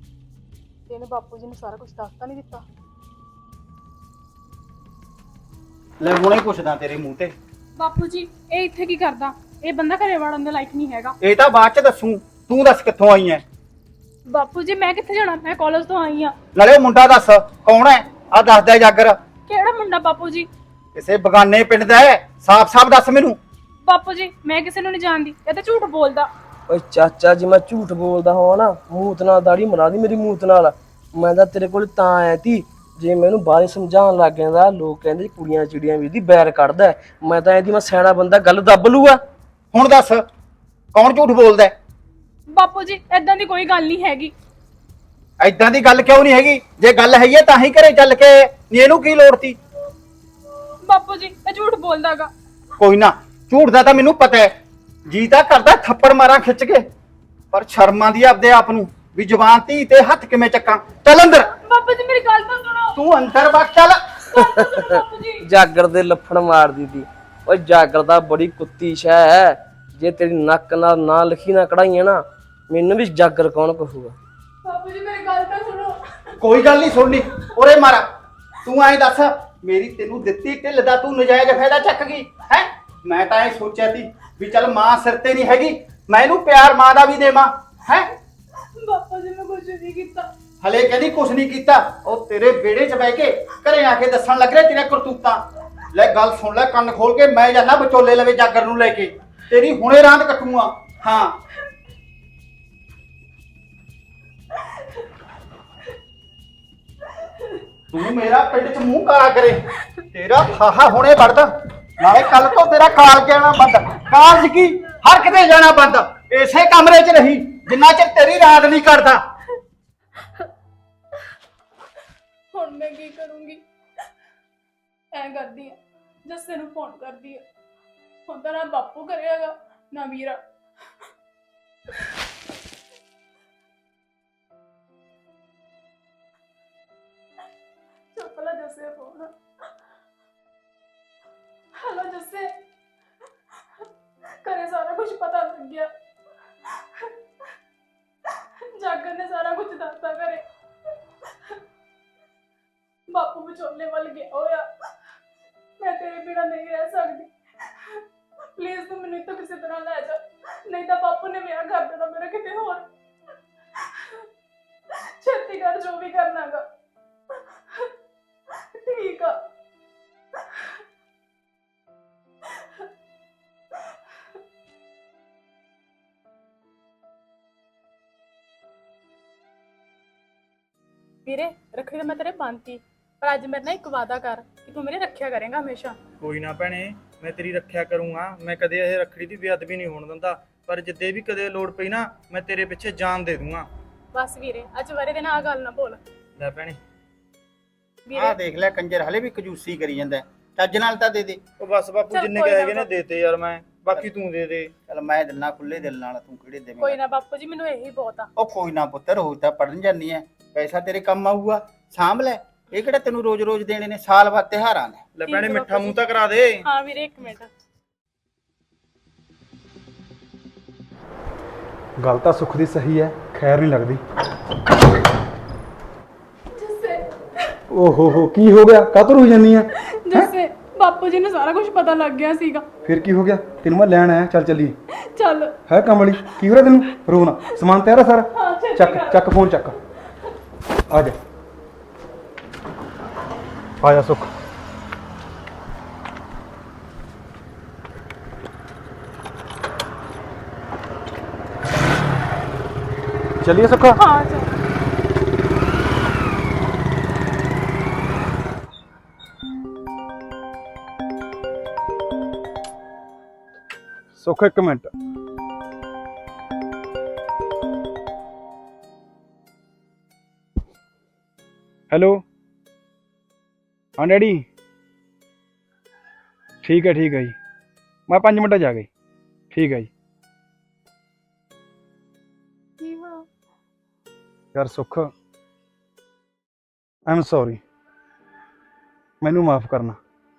[SPEAKER 1] ਇਹਨੇ ਬਾਪੂ ਜੀ ਨੂੰ ਸਾਰਾ ਕੁਝ ਦੱਸਤਾ ਨਹੀਂ ਦਿੱਤਾ।
[SPEAKER 6] ਲੈ ਹੁਣੇ ਪੁੱਛਦਾ ਤੇਰੇ ਮੂੰਹ ਤੇ।
[SPEAKER 1] ਬਾਪੂ ਜੀ ਇਹ ਇੱਥੇ ਕੀ ਕਰਦਾ? ਇਹ ਬੰਦਾ ਘਰੇ ਵੜਨ ਦੇ ਲਾਇਕ ਨਹੀਂ ਹੈਗਾ।
[SPEAKER 6] ਇਹ ਤਾਂ ਬਾਅਦ ਚ ਦੱਸੂ, ਤੂੰ ਦੱਸ ਕਿੱਥੋਂ ਆਈ ਐ?
[SPEAKER 1] ਬਾਪੂ ਜੀ ਮੈਂ ਕਿੱਥੇ ਜਾਣਾ? ਮੈਂ ਕਾਲਜ ਤੋਂ ਆਈ ਆ।
[SPEAKER 6] ਨਾਲੇ ਉਹ ਮੁੰਡਾ ਦੱਸ ਕੌਣ ਐ? ਆ ਦੱਸਦਾ ਜਾਗਰ।
[SPEAKER 1] ਕਿਹੜਾ ਮੁੰਡਾ ਬਾਪੂ ਜੀ?
[SPEAKER 6] ਕਿਸੇ ਬਗਾਨੇ ਪਿੰਡ ਦਾ ਐ, ਸਾਫ਼-ਸਾਫ਼ ਦੱਸ ਮੈਨੂੰ।
[SPEAKER 1] ਬਾਪੂ ਜੀ ਮੈਂ ਕਿਸੇ ਨੂੰ ਨਹੀਂ ਜਾਣਦੀ, ਇਹ ਤਾਂ ਝੂਠ ਬੋਲਦਾ।
[SPEAKER 3] ਓਏ ਚਾਚਾ ਜੀ, ਮੈਂ ਝੂਠ ਬੋਲਦਾ ਹੋਵਾਂ ਨਾ, ਮੂਤ ਨਾਲ ਦਾੜੀ ਮਰਾ ਦੀ ਮੇਰੀ ਮੂਤ ਨਾਲ। ਮੈਂ ਤਾਂ ਤੇਰੇ ਕੋਲ ਤਾਂ ਆਇਆ ਤੀ ਜੇ ਮੈਨੂੰ ਬਾਰੇ ਸਮਝਾਉਣ ਲੱਗ ਜਾਂਦਾ। ਲੋਕ ਕਹਿੰਦੇ ਕੁੜੀਆਂ ਚਿੜੀਆਂ ਵੀ ਦੀ ਬੈਰ ਕੱਢਦਾ। ਮੈਂ ਤਾਂ ਇਹਦੀ ਮੈਂ ਸਿਆਣਾ ਬੰਦਾ, ਗੱਲ ਦੱਬ ਲੂਗਾ।
[SPEAKER 6] ਹੁਣ ਦੱਸ ਕੌਣ ਝੂਠ ਬੋਲਦਾ?
[SPEAKER 1] ਬਾਪੂ ਜੀ ਏਦਾਂ ਦੀ ਕੋਈ ਗੱਲ ਨਹੀਂ ਹੈਗੀ।
[SPEAKER 6] ਐਦਾਂ ਦੀ ਗੱਲ ਕਿਉਂ ਨਹੀਂ ਹੈਗੀ? ਜੇ ਗੱਲ ਹੈਗੀ ਐ ਤਾਂ ਹੀ ਘਰੇ ਚੱਲ ਕੇ, ਨੀ ਇਹਨੂੰ ਕੀ ਲੋੜ ਤੀ?
[SPEAKER 1] ਬਾਪੂ ਜੀ ਇਹ ਝੂਠ ਬੋਲਦਾਗਾ।
[SPEAKER 6] ਕੋਈ ਨਾ, ਝੂਠ ਦਾ ਤਾਂ ਮੈਨੂੰ ਪਤਾ ਹੈ। ਜੀ ਤਾਂ ਕਰਦਾ ਥੱਪੜ ਮਾਰਾਂ ਖਿੱਚ ਕੇ, ਪਰ ਸ਼ਰਮ ਆਉਂਦੀ ਆ ਆਪਦੇ ਆਪ ਨੂੰ ਵੀ ਜ਼ੁਬਾਨ ਧੀ ਤੇ ਹੱਥ ਕਿਵੇਂ ਚੱਕਾਂ। ਚੱਲ ਅੰਦਰ।
[SPEAKER 1] ਬਾਪੂ ਜੀ ਮੇਰੀ ਗੱਲ ਤਾਂ ਸੁਣੋ।
[SPEAKER 6] ਤੂੰ ਅੰਦਰ ਵਗ ਚੱਲ।
[SPEAKER 1] ਬਾਪੂ ਜੀ
[SPEAKER 3] ਜਾਗਰ ਦੇ ਲੱਫੜ ਮਾਰਦੀ ਤੀ। ਓਏ ਜਾਗਰ ਦਾ ਬੜੀ ਕੁੱਤੀ ਸ਼ੈ ਹੈ। ਜੇ ਤੇਰੀ ਨੱਕ ਨਾਲ ਨਾ ਲਿਖੀ ਨਾ ਕਢਾਈਆਂ ਨਾ, ਮੈਨੂੰ ਵੀ ਜਾਗਰ ਕੌਣ ਕਹੂਗਾ।
[SPEAKER 1] ਬਾਪੂ ਜੀ ਮੇਰੀ ਗੱਲ ਤਾਂ ਸੁਣੋ।
[SPEAKER 6] ਕੋਈ ਗੱਲ ਨਹੀਂ ਸੁਣਨੀ, ਉਰੇ ਮਾਰਾ। ਤੂੰ ਐਂ ਦੱਸ, ਮੇਰੀ ਤੈਨੂੰ ਦਿੱਤੀ ਢਿੱਲ ਦਾ ਤੂੰ ਨਜਾਇਜ਼ ਫਾਇਦਾ ਚੱਕ ਗਈ ਹੈ? ਮੈਂ ਤਾਂ ਇਹ ਸੋਚਿਆ ਸੀ ਵੀ ਚੱਲ ਮਾਂ ਸਿਰ ਤੇ ਨਹੀਂ ਹੈਗੀ, ਮੈਂ ਇਹਨੂੰ ਪਿਆਰ ਮਾਂ ਦਾ ਵੀ ਦੇਵਾਂ ਹੈ।
[SPEAKER 1] ਬਾਪੂ ਜੀ ਮੈਂ ਕੁਝ ਨਹੀਂ ਕੀਤਾ।
[SPEAKER 6] ਹਲੇ ਕਹਿੰਦੀ ਕੁਛ ਨਹੀਂ ਕੀਤਾ। ਉਹ ਤੇਰੇ ਵਿਹੜੇ 'ਚ ਬਹਿ ਕੇ ਘਰੇ ਆ ਕੇ ਦੱਸਣ ਲੱਗ ਰਿਹਾ ਤੇਰੇ ਕਰਤੂਤਾਂ। ਲੈ ਗੱਲ ਸੁਣ ਲੈ ਕੰਨ ਖੋਲ ਕੇ, ਮੈਂ ਜਾਣਾ ਵਿਚੋਲੇ ਲਵੇ ਜਾਗਰ ਨੂੰ ਲੈ ਕੇ, ਤੇਰੀ ਹੁਣੇ ਰਾਂਦ ਕੱਟੂਆਂ। ਹਾਂ ਤੂੰ ਮੇਰਾ ਪਿੰਡ 'ਚ ਮੂੰਹ ਕਾਲਾ ਕਰੇ, ਤੇਰਾ ਫਾਹਾ ਹੁਣੇ ਵੜਦਾ। ਨਾਲੇ ਕੱਲ ਤੋਂ ਤੇਰਾ ਕਾਲਜ ਜਾਣਾ ਬੰਦ। ਕਾਲਜ ਕੀ, ਹਰ ਕਿਤੇ ਜਾਣਾ ਬੰਦ। ਇਸੇ ਕਮਰੇ 'ਚ ਰਹੀ ਜਿੰਨਾ ਚਿਰ ਤੇਰੀ ਰਾਤ ਨਹੀਂ ਕਰਦਾ।
[SPEAKER 1] ਹੁਣ ਮੈਂ ਕੀ ਕਰੂੰਗੀ? ਐ ਕਰਦੀ ਆ, ਜੱਸੇ ਨੂੰ ਫੋਨ ਕਰਦੀ ਆ। ਹੁਣ ਤਾਂ ਨਾ ਬਾਪੂ ਕਰੇਗਾ ਨਾ ਵੀਰਾ। ਚੁੱਪ ਲੈ ਜੱਸੇ ਫੋਨ। ਹੈਲੋ ਜੱਸੇ, ਘਰੇ ਸਾਰਾ ਕੁਝ ਪਤਾ ਲੱਗ ਗਿਆ। ਜਾਗਰ ਨੇ ਸਾਰਾ ਕੁਝ ਦੱਸਤਾ ਘਰੇ। ਬਾਪੂ ਵਿਚੋਲੇ ਵੱਲ ਗਿਆ ਹੋਇਆ। ਮੈਂ ਤੇਰੇ ਬਿਨਾਂ ਨਹੀਂ ਰਹਿ ਸਕਦੀ। ਪਲੀਜ਼ ਤੂੰ ਮੈਨੂੰ ਇੱਥੋਂ ਕਿਸੇ ਤਰ੍ਹਾਂ ਲੈ ਜਾ, ਨਹੀਂ ਤਾਂ ਬਾਪੂ ਨੇ ਵਿਆਹ ਕਰ ਦੇਣਾ ਮੇਰਾ ਕਿਤੇ ਹੋਰ। ਛੇਤੀ ਕਰ ਜੋ ਵੀ ਕਰਨਾਗਾ। ਠੀਕ ਆ। ਵੀਰੇ ਰੱਖੜੀ ਤਾਂ ਮੈਂ ਤੇਰੇ ਬੰਨਤੀ, ਪਰ ਅੱਜ ਮੇਰੇ ਨਾਲ ਇੱਕ ਵਾਅਦਾ ਕਰ ਕਿ ਤੂੰ ਮੇਰੀ ਰੱਖਿਆ ਕਰੇਂਗਾ ਹਮੇਸ਼ਾ।
[SPEAKER 5] ਕੋਈ ਨਾ ਭੈਣੇ, ਮੈਂ ਤੇਰੀ ਰੱਖਿਆ ਕਰੂੰਗਾ। ਮੈਂ ਕਦੇ ਇਹ ਰੱਖੜੀ ਦੀ ਬੇਅਦਬੀ ਨਹੀਂ ਹੋਣ ਦਿੰਦਾ, ਪਰ ਜਿੱਦੇ ਵੀ ਕਦੇ ਲੋੜ ਪਈ ਨਾ, ਮੈਂ ਤੇਰੇ ਪਿੱਛੇ ਜਾਨ ਦੇ ਦੂੰਗਾ।
[SPEAKER 1] ਬਸ ਵੀਰੇ ਅੱਜ ਵਰੇ ਦੇ ਨਾਲ ਆ ਗੱਲ ਨਾ ਭੁੱਲ।
[SPEAKER 5] ਲੈ ਭੈਣੇ,
[SPEAKER 6] ਆਹ
[SPEAKER 1] ਵੀਰੇ
[SPEAKER 6] ਦੇਖ ਲੈ ਕੰਜਰ ਹਲੇ ਵੀ ਕੰਜੂਸੀ ਕਰੀ ਜਾਂਦਾ। ਚੱਜ ਨਾਲ ਤਾਂ ਦੇ ਦੇ।
[SPEAKER 5] ਉਹ ਬਸ ਬਾਪੂ
[SPEAKER 1] ਚੱਲ
[SPEAKER 5] ਜਿੰਨੇ
[SPEAKER 1] ਕੋਈ
[SPEAKER 5] ਕੁ
[SPEAKER 1] ਨਾ
[SPEAKER 5] ਹੈਗੇ ਨੇ
[SPEAKER 1] ਬਾਪੂ।
[SPEAKER 5] ਦੇਤੇ ਯਾਰ ਮੈਂ, ਬਾਕੀ ਤੂੰ ਦੇ ਦੇ।
[SPEAKER 6] ਚੱਲ ਮੈਂ ਦਿਲਾਂ ਖੁੱਲੇ ਦਿਲ ਨਾਲ, ਤੂੰ ਕਿਹੜੇ
[SPEAKER 1] ਕੋਈ
[SPEAKER 6] ਦੇਵੇਂਗਾ?
[SPEAKER 1] ਨਾ ਬਾਪੂ ਜੀ, ਮੈਨੂੰ ਇਹੀ ਬਹੁਤ ਆ।
[SPEAKER 6] ਉਹ ਕੋਈ ਨਾ ਪੁੱਤਰ, ਰੋਜ਼ ਤਾਂ ਪੜਨ ਜਾਨੀ ਐ, ਪੈਸਾ ਤੇਰੇ ਕੰਮ ਆਊਗਾ, ਸਾਂਭ ਲੈ। ਇਹ ਕਿਹੜਾ ਤੈਨੂੰ ਰੋਜ਼-ਰੋਜ਼ ਦੇਣੇ ਨੇ, ਸਾਲ ਬਾਅਦ ਤਿਉਹਾਰਾਂ ਨੇ।
[SPEAKER 5] ਲੈ
[SPEAKER 1] ਠੀਕ
[SPEAKER 5] ਭੈਣੇ
[SPEAKER 1] ਹੈ
[SPEAKER 5] ਮਿੱਠਾ
[SPEAKER 1] ਬਾਪੂ
[SPEAKER 5] ਮੂੰਹ
[SPEAKER 1] ਜੀ।
[SPEAKER 5] ਤਾਂ ਕਰਾ ਦੇ।
[SPEAKER 1] ਹਾਂ ਵੀਰੇ ਇੱਕ ਮਿੰਟ।
[SPEAKER 7] ਗੱਲ ਤਾਂ ਸੁੱਖ ਦੀ ਸਹੀ ਹੈ, ਖੈਰ ਨਹੀਂ ਲੱਗਦੀ।
[SPEAKER 1] ਜੱਸੇ
[SPEAKER 7] ਓਹੋ ਕੀ ਹੋ ਗਿਆ? ਕਾਹਤੋਂ ਰੋਈ ਜਾਂਦੀ ਆ?
[SPEAKER 1] ਜੱਸੇ ਬਾਪੂ ਜੀ ਨੂੰ ਸਾਰਾ ਕੁਝ ਪਤਾ ਲੱਗ ਗਿਆ ਸੀਗਾ।
[SPEAKER 7] ਫਿਰ ਕੀ ਹੋ ਗਿਆ? ਤੈਨੂੰ ਮੈਂ ਲੈਣ ਆਇਆ, ਚੱਲ ਚੱਲੀਏ।
[SPEAKER 1] ਚੱਲ।
[SPEAKER 7] ਹੈ ਕਮਲੀ, ਕੀ ਹੋ ਰਿਹਾ ਤੈਨੂੰ? ਰੋਣਾ, ਸਮਾਨ ਤਿਆਰ ਆ ਸਾਰਾ?
[SPEAKER 1] ਹਾਂ ਛੇਤੀ
[SPEAKER 7] ਚੱਕ
[SPEAKER 1] ਕਰ।
[SPEAKER 7] ਚੱਕ ਫੋਨ ਚੱਕ। ਆ ਜਾ ਆ ਜਾ ਸੁੱਖ। ਚੱਲੀਏ ਸੁੱਖ।
[SPEAKER 1] ਹਾਂ ਚੱਲ।
[SPEAKER 7] ਸੁੱਖ ਇੱਕ ਮਿੰਟ। ਹੈਲੋ, ਹਾਂ ਡੈਡੀ, ਠੀਕ ਹੈ ਜੀ, ਮੈਂ 5 ਮਿੰਟਾਂ 'ਚ ਆ ਗਈ। ਠੀਕ ਹੈ ਜੀ।
[SPEAKER 1] ਕੀ ਹੋਇਆ?
[SPEAKER 7] ਯਾਰ ਸੁੱਖ, ਆਈ ਐਮ ਸੌਰੀ, ਮੈਨੂੰ ਮਾਫ ਕਰਨਾ।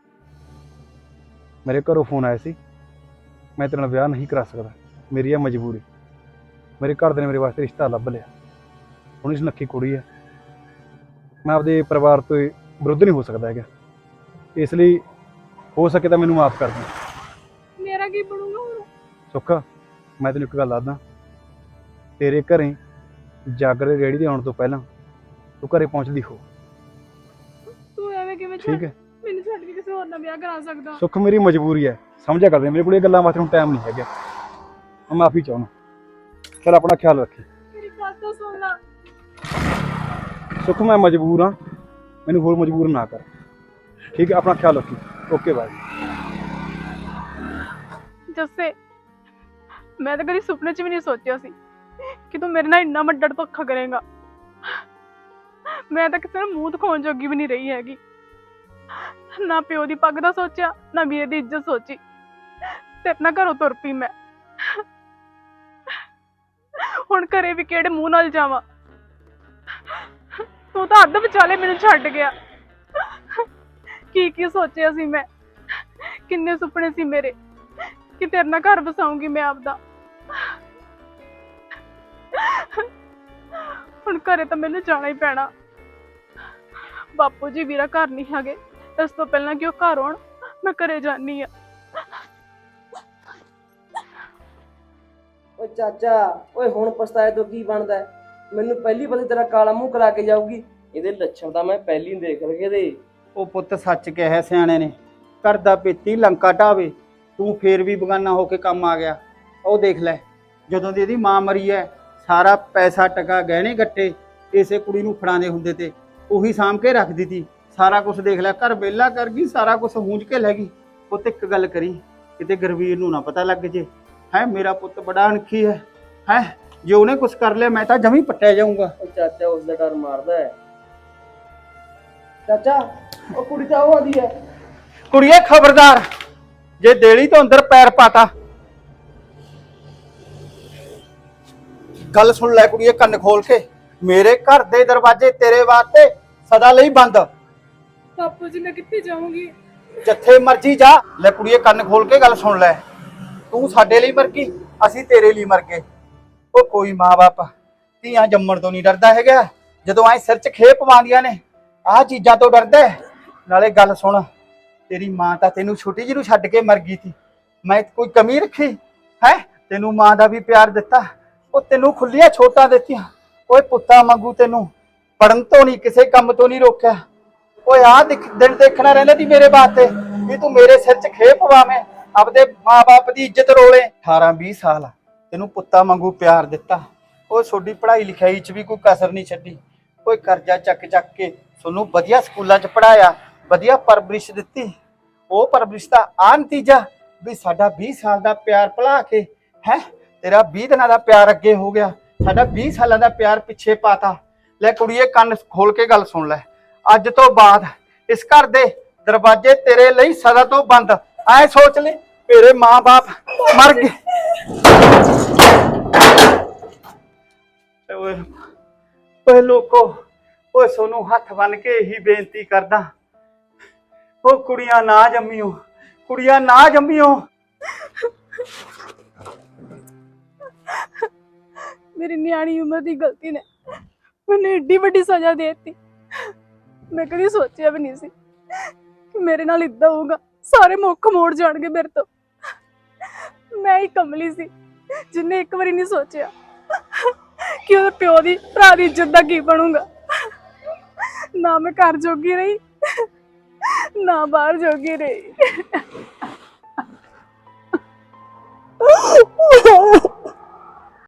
[SPEAKER 7] ਮੇਰੇ ਘਰੋਂ ਫੋਨ ਆਇਆ ਸੀ, ਮੈਂ ਤੇਰੇ ਨਾਲ ਵਿਆਹ ਨਹੀਂ ਕਰਾ ਸਕਦਾ, ਮੇਰੀ ਇਹ ਮਜਬੂਰੀ। ਮੇਰੇ ਘਰ ਦੇ ਨੇ ਮੇਰੇ ਵਾਸਤੇ ਰਿਸ਼ਤਾ ਲੱਭ ਲਿਆ, ਹੁਣ ਇਸ ਨੱਕੀ ਕੁੜੀ ਹੈ, ਮੈਂ ਆਪਦੇ ਪਰਿਵਾਰ ਤੋਂ ਵਿਰੁੱਧ ਨਹੀਂ ਹੋ ਸਕਦਾ ਹੈਗਾ। ਇਸ ਲਈ ਹੋ ਸਕੇ ਤਾਂ ਮੈਨੂੰ ਮਾਫ ਕਰ ਦੇ।
[SPEAKER 1] ਮੇਰਾ ਕੀ ਬਣੂਗਾ ਹੁਣ?
[SPEAKER 7] ਸੁੱਖ, ਮੈਂ ਤੈਨੂੰ ਇੱਕ ਗੱਲ ਦੱਸਦਾ, ਤੇਰੇ ਘਰੇ ਜਾਗਰ ਦੇ ਰੇੜੀ ਦੇ ਆਉਣ ਤੋਂ ਪਹਿਲਾਂ ਤੂੰ ਘਰੇ ਪਹੁੰਚਦੀ ਹੋ,
[SPEAKER 1] ਤੂੰ ਐਵੇਂ ਕਿਵੇਂ
[SPEAKER 7] ਠੀਕ ਹੈ?
[SPEAKER 1] ਮੈਨੂੰ ਛੱਡ ਕੇ ਕਿਸੇ ਹੋਰ ਨਾਲ ਵਿਆਹ ਕਰਾ ਸਕਦਾ?
[SPEAKER 7] ਸੁੱਖ ਮੇਰੀ ਮਜਬੂਰੀ ਹੈ, ਸਮਝਿਆ ਕਰਦੇ, ਮੇਰੇ ਕੋਲ ਇਹ ਗੱਲਾਂ ਵਾਸਤੇ ਹੁਣ ਟਾਈਮ ਨਹੀਂ ਹੈਗਾ। ਮੈਂ ਮਾਫੀ ਚਾਹੁੰਦਾ, ਚੱਲ ਆਪਣਾ ਖਿਆਲ ਰੱਖੀ।
[SPEAKER 1] ਮੇਰੀ ਗੱਲ ਤਾਂ ਸੁਣ ਲੈ।
[SPEAKER 7] ਸੁੱਖ ਮੈਂ ਮਜਬੂਰ ਹਾਂ, ਮੈਨੂੰ ਹੋਰ ਮਜਬੂਰ ਨਾ ਕਰ, ਠੀਕ ਹੈ? ਆਪਣਾ ਖਿਆਲ ਰੱਖੀ। Okay bye.
[SPEAKER 1] ਜੱਸੇ, ਮੈਂ ਤਾਂ ਕਦੀ ਸੁਪਨੇ 'ਚ ਵੀ ਨਹੀਂ ਸੋਚਿਆ ਸੀ ਕਿ ਤੂੰ ਮੇਰੇ ਨਾਲ ਇੰਨਾ ਵੱਡਾ ਧੋਖਾ ਕਰੇਗਾ। ਮੈਂ ਤਾਂ ਕਿਸੇ ਨੂੰ ਮੂੰਹ ਦਿਖਾਉਣ ਜੋਗੀ ਵੀ ਨਹੀਂ ਰਹੀ ਹੈਗੀ। ਨਾ ਪਿਓ ਦੀ ਪੱਗ ਦਾ ਸੋਚਿਆ, ਨਾ ਵੀਰੇ ਦੀ ਇੱਜ਼ਤ ਸੋਚੀ, ਤੇ ਆਪਣਾ ਘਰੋਂ ਤੁਰ ਪਈ ਮੈਂ। ਹੁਣ ਘਰੇ ਵੀ ਕਿਹੜੇ ਮੂੰਹ ਨਾਲ ਜਾਵਾਂ? ਤੂੰ ਤਾਂ ਅੱਧ ਵਿਚਾਲੇ ਮੈਨੂੰ ਛੱਡ ਗਿਆ। ਕੀ ਸੋਚਿਆ ਸੀ ਮੈਂ, ਕਿੰਨੇ ਸੁਪਨੇ ਸੀ ਮੇਰੇ ਕਿ ਤੇਰੇ ਨਾਲ ਘਰ ਵਸਾਉਂਗੀ ਮੈਂ ਆਪਦਾ। ਹੁਣ ਘਰੇ ਤਾਂ ਮੈਨੂੰ ਜਾਣਾ ਹੀ ਪੈਣਾ। ਬਾਪੂ ਜੀ ਵੀਰਾ ਘਰ ਨਹੀਂ ਹੈਗੇ, ਇਸ ਤੋਂ ਪਹਿਲਾਂ ਕਿ ਉਹ ਘਰ ਆਉਣ ਮੈਂ ਘਰੇ ਜਾਨੀ ਆ।
[SPEAKER 3] ਓਏ ਚਾਚਾ, ਓਏ ਹੁਣ ਪਛਤਾਏ ਤੋਂ ਕੀ ਬਣਦਾ ਹੈ? ਮੈਨੂੰ ਪਹਿਲੀ ਵਾਰੀ ਤੇਰਾ ਕਾਲਾ ਮੂੰਹ ਕਰਾ ਕੇ ਜਾਊਗੀ। ਇਹਦੇ ਲੱਛਣ ਤਾਂ ਮੈਂ ਪਹਿਲੀ ਨੂੰ ਦੇਖ ਲਗੇ ਦੇ।
[SPEAKER 6] ਉਹ ਪੁੱਤ ਸੱਚ ਕਿਹਾ ਸਿਆਣੇ ਨੇ, ਘਰ ਦਾ ਪੇਤੀ ਲੰਕਾ ਢਾਵੇ, ਤੂੰ ਫੇਰ ਵੀ ਬਗਾਨਾ ਹੋ ਕੇ ਕੰਮ ਆ ਗਿਆ। ਉਹ ਦੇਖ ਲੈ, ਜਦੋਂ ਦੀ ਇਹਦੀ ਮਾਂ ਮਰੀ ਹੈ, ਸਾਰਾ ਪੈਸਾ ਟਕਾ ਗਹਿਣੇ ਗੱਟੇ ਇਸੇ ਕੁੜੀ ਨੂੰ ਫੜਾਉਂਦੇ ਹੁੰਦੇ ਤੇ ਉਹੀ ਸਾਂਭ ਕੇ ਰੱਖਦੀ ਤੀ। ਸਾਰਾ ਕੁਝ ਦੇਖ ਲੈ, ਘਰ ਵਿਹਲਾ ਕਰ ਗਈ, ਸਾਰਾ ਕੁਝ ਹੂੰਝ ਕੇ ਲੈ ਗਈ। ਪੁੱਤ ਇੱਕ ਗੱਲ ਕਰੀ, ਕਿਤੇ ਗੁਰਵੀਰ ਨੂੰ ਨਾ ਪਤਾ ਲੱਗ ਜੇ। ਹੈ ਮੇਰਾ ਪੁੱਤ ਬੜਾ ਅਣਖੀ ਹੈ ਜੇ ਉਹਨੇ ਕੁਝ ਕਰ ਲਿਆ ਮੈਂ ਤਾਂ ਜਮੀ ਪੱਟਿਆ ਜਾਊਂਗਾ।
[SPEAKER 3] ਉਹ ਚਾਚਾ ਉਸ ਦਾ ਡਰ ਮਾਰਦਾ ਹੈ। ਚਾਚਾ, ਉਹ ਕੁੜੀ ਤਾਂ ਉਹ ਆਦੀ ਹੈ।
[SPEAKER 6] ਕੁੜੀਏ ਖਬਰਦਾਰ, ਜੇ ਦੇਲੀ ਤੋਂ ਅੰਦਰ ਪੈਰ ਪਾਤਾ। ਗੱਲ ਸੁਣ ਲੈ ਕੁੜੀਏ ਕੰਨ ਖੋਲ ਕੇ, ਮੇਰੇ ਘਰ ਦੇ ਦਰਵਾਜ਼ੇ ਤੇਰੇ ਵਾਸਤੇ ਸਦਾ ਲਈ ਬੰਦ।
[SPEAKER 1] ਬਾਪੂ ਜੀ ਮੈਂ ਕਿੱਥੇ ਜਾਊਂਗੀ?
[SPEAKER 6] ਜਿੱਥੇ ਮਰਜੀ ਜਾ। ਲੈ ਕੁੜੀਏ ਕੰਨ ਖੋਲ ਕੇ ਗੱਲ ਸੁਣ ਲੈ, ਤੂੰ ਸਾਡੇ ਲਈ ਮਰ ਗਈ, ਅਸੀਂ ਤੇਰੇ ਲਈ ਮਰ ਗਏ। ਉਹ ਕੋਈ ਮਾਂ-ਬਾਪ ਧੀਆਂ ਜੰਮਣ ਤੋਂ ਨਹੀਂ ਡਰਦਾ ਹੈਗਾ, ਜਦੋਂ ਐ ਸਿਰ 'ਚ ਖੇਪ ਪਾਉਂਦੀਆਂ ਨੇ ਆਹ ਚੀਜ਼ਾਂ ਤੋਂ ਡਰਦਾ। ਨਾਲੇ ਗੱਲ ਸੁਣ, ਤੇਰੀ ਮਾਂ ਤਾਂ ਤੈਨੂੰ ਛੋਟੀ ਜਿਹੀ ਨੂੰ ਛੱਡ ਕੇ ਮਰ ਗਈ ਸੀ, ਮੈਂ ਕੋਈ ਕਮੀ ਰੱਖੀ ਹੈ? ਤੈਨੂੰ ਮਾਂ ਦਾ ਵੀ ਪਿਆਰ ਦਿੱਤਾ, ਉਹ ਤੈਨੂੰ ਖੁੱਲੀਆਂ ਛੋਟਾਂ ਦਿੱਤੀਆਂ। ਓਏ ਪੁੱਤਾਂ ਵਾਂਗੂ ਤੈਨੂੰ ਪੜਨ ਤੋਂ ਨਹੀਂ, ਕਿਸੇ ਕੰਮ ਤੋਂ ਨਹੀਂ ਰੋਕਿਆ। ਓਏ ਆਹ ਦਿਨ ਦੇਖਣਾ ਰਹਿੰਦਾ ਸੀ ਮੇਰੇ ਵਾਸਤੇ ਵੀ ਤੂੰ ਮੇਰੇ ਸਿਰ 'ਚ ਖੇਪ ਪਾਵੇਂ, ਆਪਦੇ ਮਾਂ-ਬਾਪ ਦੀ ਇੱਜ਼ਤ ਰੋਲੇ। 18-20 ਸਾਲ ਤੈਨੂੰ ਪੁੱਤਾਂ ਵਾਂਗੂ ਪਿਆਰ ਦਿੱਤਾ। ਉਹ ਤੁਹਾਡੀ ਪੜ੍ਹਾਈ ਲਿਖਾਈ 'ਚ ਵੀ ਕੋਈ ਕਸਰ ਨਹੀਂ ਛੱਡੀ। ਕੋਈ ਕਰਜ਼ਾ ਚੱਕ ਕੇ ਤੁਹਾਨੂੰ ਵਧੀਆ ਸਕੂਲਾਂ 'ਚ ਪੜ੍ਹਾਇਆ, ਵਧੀਆ ਪਰਵਰਿਸ਼ ਦਿੱਤੀ। ਉਹ ਪਰਵਰਿਸ਼ ਦਾ ਆ ਨਤੀਜਾ ਵੀ ਸਾਡਾ 20 ਸਾਲ ਦਾ ਪਿਆਰ ਭੁਲਾ ਕੇ ਹੈ ਤੇਰਾ 20 ਦਿਨਾਂ ਦਾ ਪਿਆਰ ਅੱਗੇ ਹੋ ਗਿਆ, ਸਾਡਾ 20 ਸਾਲਾਂ ਦਾ ਪਿਆਰ ਪਿੱਛੇ ਪਾਤਾ। ਲੈ ਕੁੜੀਏ ਕੰਨ ਖੋਲ ਕੇ ਗੱਲ ਸੁਣ ਲੈ, ਅੱਜ ਤੋਂ ਬਾਅਦ ਇਸ ਘਰ ਦੇ ਦਰਵਾਜ਼ੇ ਤੇਰੇ ਲਈ ਸਦਾ ਤੋਂ ਬੰਦ। ਐ ਸੋਚ ਲੈ, ਤੇਰੇ ਮਾਂ-ਬਾਪ ਮਰ ਗਏ। ਓਏ ਲੋਕੋ, ਓਏ ਸੋਨੂੰ ਹੱਥ ਬੰਨ ਕੇ ਇਹੀ ਬੇਨਤੀ ਕਰਦਾ, ਉਹ ਕੁੜੀਆਂ ਨਾ ਜੰਮੀਓ, ਕੁੜੀਆਂ ਨਾ ਜੰਮੀਓ।
[SPEAKER 1] ਮੇਰੀ ਨਿਆਣੀ ਉਮਰ ਦੀ ਗਲਤੀ ਨੇ ਮੈਨੂੰ ਏਡੀ ਵੱਡੀ ਸਜ਼ਾ ਦੇ ਦਿੱਤੀ। ਮੈਂ ਕਦੀ ਸੋਚਿਆ ਵੀ ਨਹੀਂ ਸੀ ਕਿ ਮੇਰੇ ਨਾਲ ਇਦਾਂ ਹੋਊਗਾ। ਸਾਰੇ ਮੁੱਖ ਮੋੜ ਜਾਣਗੇ ਮੇਰੇ ਤੋਂ। ਮੈਂ ਹੀ ਕਮਲੀ ਸੀ ਜਿੰਨੇ ਇੱਕ ਵਾਰੀ ਨਹੀਂ ਸੋਚਿਆ ਕਿ ਉਹਦੇ ਪਿਓ ਦੀ ਭਰਾ ਦੀ ਇੱਜ਼ਤ ਦਾ ਕੀ ਬਣੂਗਾ। ਨਾ ਮੈਂ ਘਰ ਜੋਗੀ ਰਹੀ, ਨਾ ਬਾਹਰ ਜੋਗੀ ਰਹੀ।